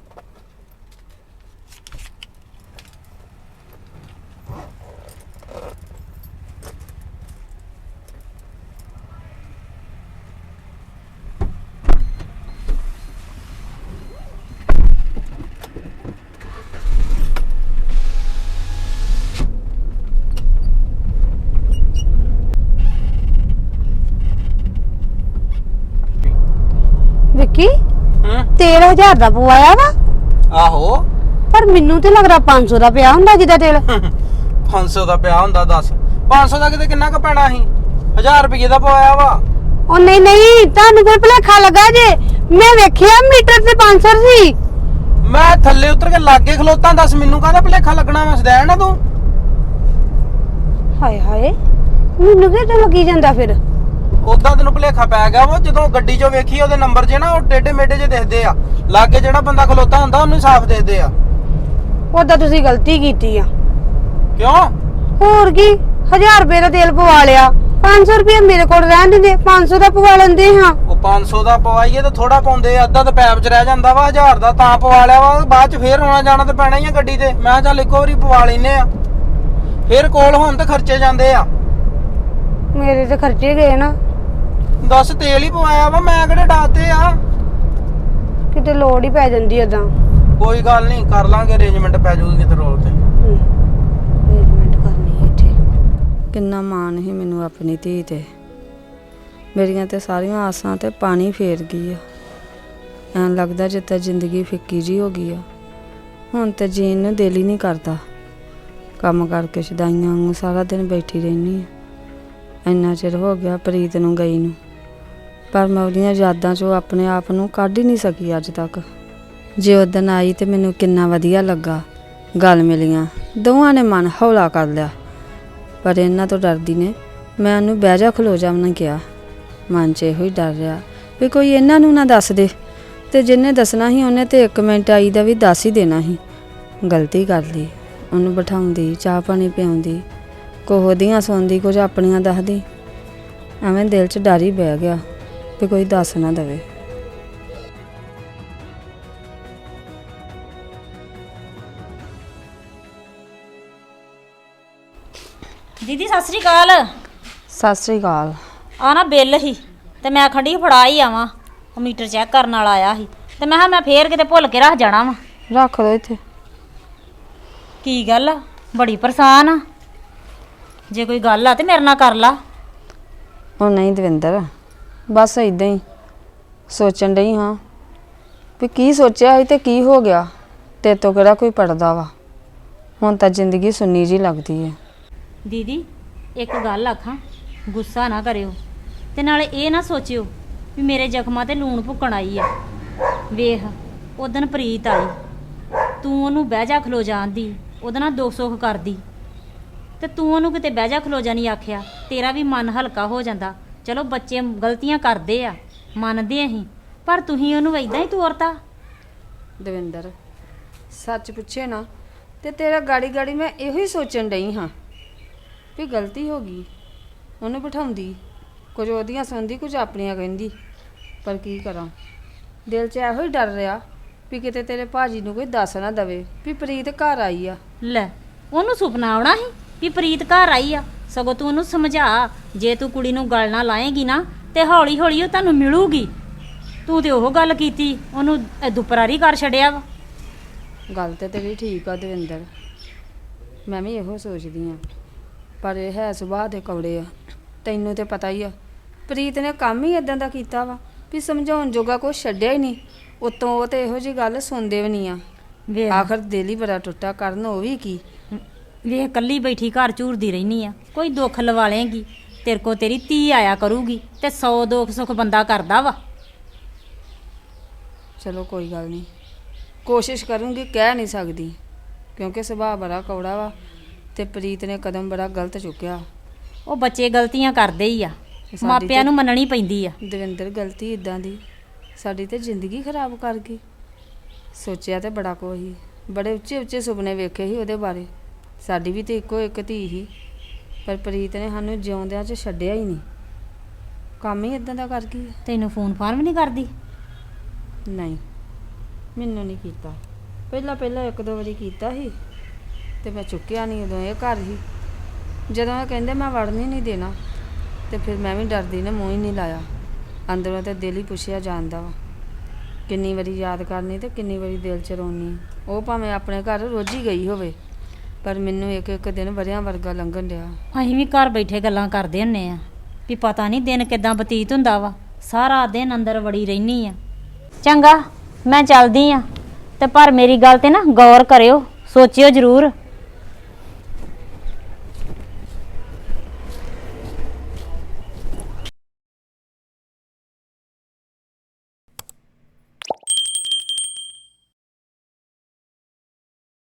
[SPEAKER 7] ਵਿੱਕੀ
[SPEAKER 6] ਹਾਂ
[SPEAKER 7] ਤੇਲ ਹਜ਼ਾਰ ਦਾ ਪਵਾਇਆ ਵਾ
[SPEAKER 6] ਆਹੋ
[SPEAKER 7] ਪਰ ਮੈਨੂੰ ਤੇ ਲੱਗਦਾ ਪੰਜ ਸੌ ਦਾ ਪਿਆ ਹੁੰਦਾ ਜਿਹਦਾ ਤੇਲ
[SPEAKER 6] ਪੰਜ ਸੌ ਦਾ ਪਿਆ ਹੁੰਦਾ ਦੱਸ ਪੰਜ ਸੌ ਦਾ ਕਿਤੇ ਕਿੰਨਾ ਕੁ ਪੈਣਾ ਸੀ ਹਜ਼ਾਰ ਰੁਪਏ ਦਾ ਪਵਾਇਆ ਵਾ।
[SPEAKER 7] ਉਹ ਨਹੀਂ ਨਹੀਂ ਤੁਹਾਨੂੰ ਕੋਈ ਭੁਲੇਖਾ ਲੱਗਾ ਜੇ ਮੈਂ ਵੇਖਿਆ ਮੀਟਰ ਤੇ ਪੰਜ ਸੌ ਸੀ।
[SPEAKER 6] ਮੈਂ ਥੱਲੇ ਉਤਰ ਕੇ ਲਾਗੇ ਖਲੋਤਾ ਦੱਸ ਮੈਨੂੰ ਕਾਹਦਾ ਭੁਲੇਖਾ ਲੱਗਣਾ ਵਾ ਸਦੈਣ ਨਾ ਤੂੰ।
[SPEAKER 7] ਹਾਏ ਹਾਏ ਮੈਨੂੰ ਕਿਹਦਾ ਲੱਗੀ ਜਾਂਦਾ ਫਿਰ
[SPEAKER 6] ਉਦਾਂ ਤੈਨੂੰ ਭੁਲੇਖਾ ਪੈ ਗਿਆ ਵਾ ਜਦੋਂ ਗੱਡੀ 'ਚੋਂ ਵੇਖੀ ਉਹਦੇ ਨੰਬਰ ਜੇ ਨਾ ਉਹ ਟੇਢੇ ਮੇਢੇ ਜੇ ਦਿਖਦੇ ਆ ਲਾਗੇ ਜਿਹੜਾ ਬੰਦਾ ਖਲੋਤਾ ਹੁੰਦਾ ਉਹਨੂੰ ਸਾਫ਼ ਦਿਖਦੇ ਆ।
[SPEAKER 7] ਉਹਦਾ ਤੁਸੀਂ ਗਲਤੀ ਕੀਤੀ ਆ।
[SPEAKER 6] ਕਿਉਂ
[SPEAKER 7] ਹੋਰ ਕੀ ਹਜ਼ਾਰ ਰੁਪਏ ਦਾ ਤੇਲ ਪਵਾ ਲਿਆ ਪੰਜ ਸੌ ਰੁਪਏ ਮੇਰੇ ਕੋਲ ਰਹਿਣ ਦਿੰਦੇ ਪੰਜ ਸੌ ਦਾ ਪਵਾ ਲੈਂਦੇ ਹਾਂ।
[SPEAKER 6] ਉਹ ਪੰਜ ਸੌ ਦਾ ਪਵਾਈਏ ਤਾਂ ਥੋੜਾ ਪਾਉਂਦੇ ਆ ਅੱਧਾ ਤਾਂ ਪੈਪ 'ਚ ਰਹਿ ਜਾਂਦਾ ਵਾ ਹਜ਼ਾਰ ਦਾ ਤਾਂ ਪਵਾ ਲਿਆ ਵਾ ਬਾਅਦ 'ਚ ਫੇਰ ਆਉਣਾ ਜਾਣਾ ਤਾਂ ਪੈਣਾ ਹੀ ਆ ਗੱਡੀ ਤੇ ਮੈਂ ਚੱਲ ਇੱਕੋ ਵਾਰੀ ਪਵਾ ਲੈਨੇ ਆ ਫੇਰ ਕੋਲ ਹੋਣ ਤੇ ਖਰਚੇ ਜਾਂਦੇ ਆ।
[SPEAKER 7] ਮੇਰੇ ਤੇ ਖਰਚੇ ਗਏ ਨਾ
[SPEAKER 6] ਦੱਸ ਤੇਲ ਹੀ ਪਵਾਇਆ ਵਾ ਮੈਂ ਕਿਹੜੇ ਡਾਤੇ ਆ।
[SPEAKER 7] ਕਿਤੇ ਲੋੜ ਹੀ ਪੈ ਜਾਂਦੀ ਓਦਾਂ
[SPEAKER 6] ਕੋਈ ਗੱਲ ਨਹੀਂ ਕਰ ਲਾਂਗੇ ਅਰੇਂਜਮੈਂਟ ਪੈ ਜਾਊਗੀ ਕਿਤੇ ਰੋਲ ਤੇ।
[SPEAKER 7] ਅਰੇਂਜਮੈਂਟ ਕਰਨੀ ਹੈ ਇੱਥੇ।
[SPEAKER 9] ਕਿੰਨਾ ਮਾਣ ਸੀ ਮੈਨੂੰ ਆਪਣੀ ਧੀ ਤੇ ਮੇਰੀਆਂ ਤੇ ਸਾਰੀਆਂ ਆਸਾਂ ਤੇ ਪਾਣੀ ਫੇਰ ਗਈ ਆ। ਐਂ ਲੱਗਦਾ ਜਿੱਦਾਂ ਜ਼ਿੰਦਗੀ ਫਿੱਕੀ ਜੀ ਹੋ ਗਈ ਆ। ਹੁਣ ਤੇ ਜੀਣ ਨੂੰ ਦਿਲ ਹੀ ਨਹੀਂ ਕਰਦਾ। ਕੰਮ ਕਰਕੇ ਸ਼ਦਾਈਆਂ ਵਾਂਗੂ ਸਾਰਾ ਦਿਨ ਬੈਠੀ ਰਹਿੰਦੀ ਆ। ਇੰਨਾ ਚਿਰ ਹੋ ਗਿਆ ਪ੍ਰੀਤ ਨੂੰ ਗਈ ਨੂੰ ਪਰ ਮੈਂ ਉਹਦੀਆਂ ਯਾਦਾਂ 'ਚੋਂ ਆਪਣੇ ਆਪ ਨੂੰ ਕੱਢ ਹੀ ਨਹੀਂ ਸਕੀ ਅੱਜ ਤੱਕ। ਜੇ ਉਹ ਦਿਨ ਆਈ ਤੇ ਮੈਨੂੰ ਕਿੰਨਾ ਵਧੀਆ ਲੱਗਾ। ਗੱਲ ਮਿਲੀਆਂ ਦੋਵਾਂ ਨੇ ਮਨ ਹੌਲਾ ਕਰ ਲਿਆ ਪਰ ਇਹਨਾਂ ਤੋਂ ਡਰਦੀ ਨੇ ਮੈਂ ਉਹਨੂੰ ਬਹਿ ਜਾ ਖਲੋ ਜਾ ਉਹਨੇ ਕਿਹਾ। ਮਨ 'ਚ ਇਹੋ ਹੀ ਡਰ ਰਿਹਾ ਵੀ ਕੋਈ ਇਹਨਾਂ ਨੂੰ ਨਾ ਦੱਸ ਦੇ ਤੇ ਜਿਹਨੇ ਦੱਸਣਾ ਸੀ ਉਹਨੇ ਤੇ ਇੱਕ ਮਿੰਟ ਆਈ ਦਾ ਵੀ ਦੱਸ ਹੀ ਦੇਣਾ ਸੀ। ਗਲਤੀ ਕਰ ਲਈ ਉਹਨੂੰ ਬਿਠਾਉਂਦੀ ਚਾਹ ਪਾਣੀ ਪਿਆਉਂਦੀ ਕੁਝ ਉਹਦੀਆਂ ਸੁਣਦੀ ਕੁਝ ਆਪਣੀਆਂ ਦੱਸਦੀ। ਐਵੇਂ ਦਿਲ 'ਚ ਡਰ ਹੀ ਬਹਿ ਗਿਆ ਵੀ ਕੋਈ ਦੱਸ ਨਾ ਦੇਵੇ।
[SPEAKER 5] ਦੀਦੀ ਸਤਿ ਸ੍ਰੀ ਅਕਾਲ।
[SPEAKER 9] ਸਤਿ ਸ੍ਰੀ ਅਕਾਲ।
[SPEAKER 5] ਆ ਨਾ ਬਿੱਲ ਹੀ ਤੇ ਮੈਂ ਖੰਡੀ ਫੜਾ ਹੀ ਆਵਾਂ ਉਹ ਮੀਟਰ ਚੈੱਕ ਕਰਨ ਵਾਲਾ ਆਇਆ ਸੀ ਤੇ ਮੈਂ ਕਿਹਾ ਮੈਂ ਫੇਰ ਕਿਤੇ ਭੁੱਲ ਕੇ ਰੱਖ ਜਾਣਾ ਵਾ।
[SPEAKER 9] ਰੱਖ ਦੋ ਇੱਥੇ।
[SPEAKER 5] ਕੀ ਗੱਲ ਆ ਬੜੀ ਪਰੇਸ਼ਾਨ ਆ ਜੇ ਕੋਈ ਗੱਲ ਆ ਤੇ ਮੇਰੇ ਨਾਲ ਕਰ ਲਾ।
[SPEAKER 9] ਉਹ ਨਹੀਂ ਦਵਿੰਦਰ ਬਸ ਇਦਾਂ ਹੀ ਸੋਚਣ ਡਈ ਹਾਂ ਵੀ ਕੀ ਸੋਚਿਆ ਸੀ ਤੇ ਕੀ ਹੋ ਗਿਆ। ਤੇਰੇ ਤੋਂ ਕਿਹੜਾ ਕੋਈ ਪੜਦਾ ਵਾ। ਹੁਣ ਤਾਂ ਜ਼ਿੰਦਗੀ ਸੁੰਨੀ ਜੀ ਲੱਗਦੀ ਹੈ।
[SPEAKER 5] ਦੀਦੀ ਇੱਕ ਗੱਲ ਆਖਾਂ ਗੁੱਸਾ ਨਾ ਕਰਿਓ ਤੇ ਨਾਲੇ ਇਹ ਨਾ ਸੋਚਿਓ ਵੀ ਮੇਰੇ ਜ਼ਖਮਾਂ ਤੇ ਲੂਣ ਭੁੱਕਣ ਆਈ ਆ। ਵੇਖ ਉਦਣ ਪ੍ਰੀਤ ਆਈ ਤੂੰ ਉਹਨੂੰ ਬਹਿ ਜਾ ਖਲੋ ਜਾਂਦੀ ਉਹਦੇ ਨਾਲ ਦੁੱਖ ਸੁੱਖ ਕਰਦੀ ਤੇ ਤੂੰ ਉਹਨੂੰ ਕਿਤੇ ਬਹਿ ਜਾ ਖਲੋ ਜਾ ਨਹੀਂ ਆਖਿਆ ਤੇਰਾ ਵੀ ਮਨ ਹਲਕਾ ਹੋ ਜਾਂਦਾ। ਚਲੋ ਬੱਚੇ ਗਲਤੀਆਂ ਕਰਦੇ ਆ ਮੰਨਦੇ ਅਸੀਂ ਪਰ ਤੁਸੀਂ ਉਹਨੂੰ ਇਦਾਂ ਹੀ ਤੋਰਤਾ।
[SPEAKER 9] ਦਵਿੰਦਰ ਸੱਚ ਪੁੱਛੇ ਨਾ ਤੇ ਤੇਰਾ ਗਾੜੀ ਗਾੜੀ ਮੈਂ ਇਹੋ ਹੀ ਸੋਚਣ ਡਈ ਹਾਂ ਵੀ ਗਲਤੀ ਹੋ ਗਈ। ਉਹਨੂੰ ਬਿਠਾਉਂਦੀ ਕੁਝ ਉਹਦੀਆਂ ਸੁਣਦੀ ਕੁਝ ਆਪਣੀਆਂ ਕਹਿੰਦੀ ਪਰ ਕੀ ਕਰਾਂ ਦਿਲ 'ਚ ਇਹੋ ਹੀ ਡਰ ਰਿਹਾ ਵੀ ਕਿਤੇ ਤੇਰੇ ਭਾਜੀ ਨੂੰ ਕੋਈ ਦੱਸ ਨਾ ਦਵੇ ਵੀ ਪ੍ਰੀਤ ਘਰ ਆਈ ਆ।
[SPEAKER 5] ਲੈ ਉਹਨੂੰ ਸੁਪਨਾ ਆਉਣਾ ਸੀ ਵੀ ਪ੍ਰੀਤ ਘਰ ਆਈ ਆ। ਸਗੋਂ ਤੂੰ ਉਹਨੂੰ ਸਮਝਾ ਜੇ ਤੂੰ ਕੁੜੀ ਨੂੰ ਗੱਲ ਨਾ ਲਾਏਗੀ ਨਾ ਤੇ ਹੌਲੀ ਹੌਲੀ ਉਹ ਤੁਹਾਨੂੰ ਮਿਲੂਗੀ। ਤੂੰ ਤੇ ਉਹ ਗੱਲ ਕੀਤੀ ਉਹਨੂੰ ਦੁਪਰਾਰੀ ਕਰ ਛੱਡਿਆ ਵਾ।
[SPEAKER 9] ਗੱਲ ਤੇ ਤੇਰੀ ਠੀਕ ਆ ਦਵਿੰਦਰ ਮੈਂ ਵੀ ਇਹੋ ਸੋਚਦੀ ਆ ਪਰ ਇਹ ਹੈ ਸੁਭਾਅ ਦੇ ਕੌੜੇ ਆ। ਤੈਨੂੰ ਤੇ ਪਤਾ ਹੀ ਆ ਪ੍ਰੀਤ ਨੇ ਕੰਮ ਹੀ ਇਦਾਂ ਦਾ ਕੀਤਾ ਵਾ ਵੀ ਸਮਝਾਉਣ ਜੋਗਾ ਕੁਛ ਛੱਡਿਆ ਹੀ ਨਹੀਂ। ਉਤੋਂ ਉਹ ਤੇ ਇਹੋ ਜਿਹੀ ਗੱਲ ਸੁਣਦੇ ਵੀ ਨਹੀਂ ਆ।
[SPEAKER 5] ਵੇਖ
[SPEAKER 9] ਆਖਰ ਦਿਲ ਹੀ ਬੜਾ ਟੁੱਟਾ ਕਰਨ ਉਹ ਵੀ ਕੀ।
[SPEAKER 5] ਵੇਖ ਕੱਲੀ ਬੈਠੀ ਘਰ ਝੂਰਦੀ ਰਹਿਨੀ ਆ ਕੋਈ ਦੁੱਖ ਲਵਾ ਲੇਗੀ ਤੇਰੇ ਕੋ ਤੇਰੀ ਧੀ ਆਇਆ ਕਰੂਗੀ ਤੇ ਸੌ ਦੁੱਖ ਸੁੱਖ ਬੰਦਾ ਕਰਦਾ ਵਾ।
[SPEAKER 9] ਚਲੋ ਕੋਈ ਗੱਲ ਨਹੀਂ ਕੋਸ਼ਿਸ਼ ਕਰੂੰਗੀ ਕਹਿ ਨਹੀਂ ਸਕਦੀ ਕਿਉਂਕਿ ਸੁਭਾਅ ਬੜਾ ਕੌੜਾ ਵਾ ਤੇ ਪ੍ਰੀਤ ਨੇ ਕਦਮ ਬੜਾ ਗਲਤ ਚੁੱਕਿਆ।
[SPEAKER 5] ਉਹ ਬੱਚੇ ਗਲਤੀਆਂ ਕਰਦੇ ਹੀ ਆ
[SPEAKER 9] ਸਾਡੀ
[SPEAKER 5] ਮਾਪਿਆਂ ਨੂੰ ਮੰਨਣੀ ਪੈਂਦੀ ਆ।
[SPEAKER 9] ਦਵਿੰਦਰ ਗਲਤੀ ਇਦਾਂ ਦੀ ਸਾਡੀ ਤੇ ਜ਼ਿੰਦਗੀ ਖਰਾਬ ਕਰ ਗਈ। ਸੋਚਿਆ ਤੇ ਬੜਾ ਕੁਛ ਸੀ ਬੜੇ ਉੱਚੇ ਉੱਚੇ ਸੁਪਨੇ ਵੇਖੇ ਸੀ ਉਹਦੇ ਬਾਰੇ। ਸਾਡੀ ਵੀ ਤੇ ਇੱਕੋ ਇੱਕ ਧੀ ਸੀ ਪਰ ਪ੍ਰੀਤ ਨੇ ਸਾਨੂੰ ਜਿਉਂਦਿਆਂ 'ਚ ਛੱਡਿਆ ਹੀ ਨਹੀਂ। ਕੰਮ ਹੀ ਇਦਾਂ ਦਾ ਕਰ ਗਈ ਆ।
[SPEAKER 8] ਤੈਨੂੰ ਫੋਨ ਫਾਨ ਵੀ ਨਹੀਂ ਕਰਦੀ?
[SPEAKER 9] ਨਹੀਂ, ਮੈਨੂੰ ਨਹੀਂ ਕੀਤਾ। ਪਹਿਲਾਂ ਪਹਿਲਾਂ ਇੱਕ ਦੋ ਵਾਰੀ ਕੀਤਾ ਸੀ ਤੇ ਮੈਂ ਚੁੱਕਿਆ ਨਹੀਂ, ਉਦੋਂ ਇਹ ਘਰ ਸੀ। ਜਦੋਂ ਇਹ ਕਹਿੰਦੇ ਮੈਂ ਵੜਨ ਹੀ ਨਹੀਂ ਦੇਣਾ ਤੇ ਫਿਰ ਮੈਂ ਵੀ ਡਰਦੀ ਨੇ ਮੂੰਹ ਹੀ ਨਹੀਂ ਲਾਇਆ। ਅੰਦਰੋਂ ਤੇ ਦਿਲ ਹੀ ਪੁੱਛਿਆ ਜਾਂਦਾ ਵਾ, ਕਿੰਨੀ ਵਾਰੀ ਯਾਦ ਕਰਨੀ ਤੇ ਕਿੰਨੀ ਵਾਰੀ ਦਿਲ ਚ ਰੋਣੀ। ਉਹ ਭਾਵੇਂ ਆਪਣੇ ਘਰ ਰੋਜ਼ ਹੀ ਗਈ ਹੋਵੇ, ਪਰ ਮੈਨੂੰ ਇੱਕ ਇੱਕ ਦਿਨ ਵਰਿਆਂ ਵਰਗਾ ਲੰਘਣ ਡਿਆ।
[SPEAKER 8] ਅਸੀਂ ਵੀ ਘਰ ਬੈਠੇ ਗੱਲਾਂ ਕਰਦੇ ਹੁੰਨੇ ਆ ਵੀ ਪਤਾ ਨਹੀਂ ਦਿਨ ਕਿਦਾਂ ਬਤੀਤ ਹੁੰਦਾ ਵਾ, ਸਾਰਾ ਦਿਨ ਅੰਦਰ ਵੜੀ ਰਹਿਨੀ ਆ। ਚੰਗਾ, ਮੈਂ ਚੱਲਦੀ ਆ, ਤੇ ਪਰ ਮੇਰੀ ਗੱਲ ਤੇ ਨਾ ਗੌਰ ਕਰਿਓ, ਸੋਚਿਓ ਜ਼ਰੂਰ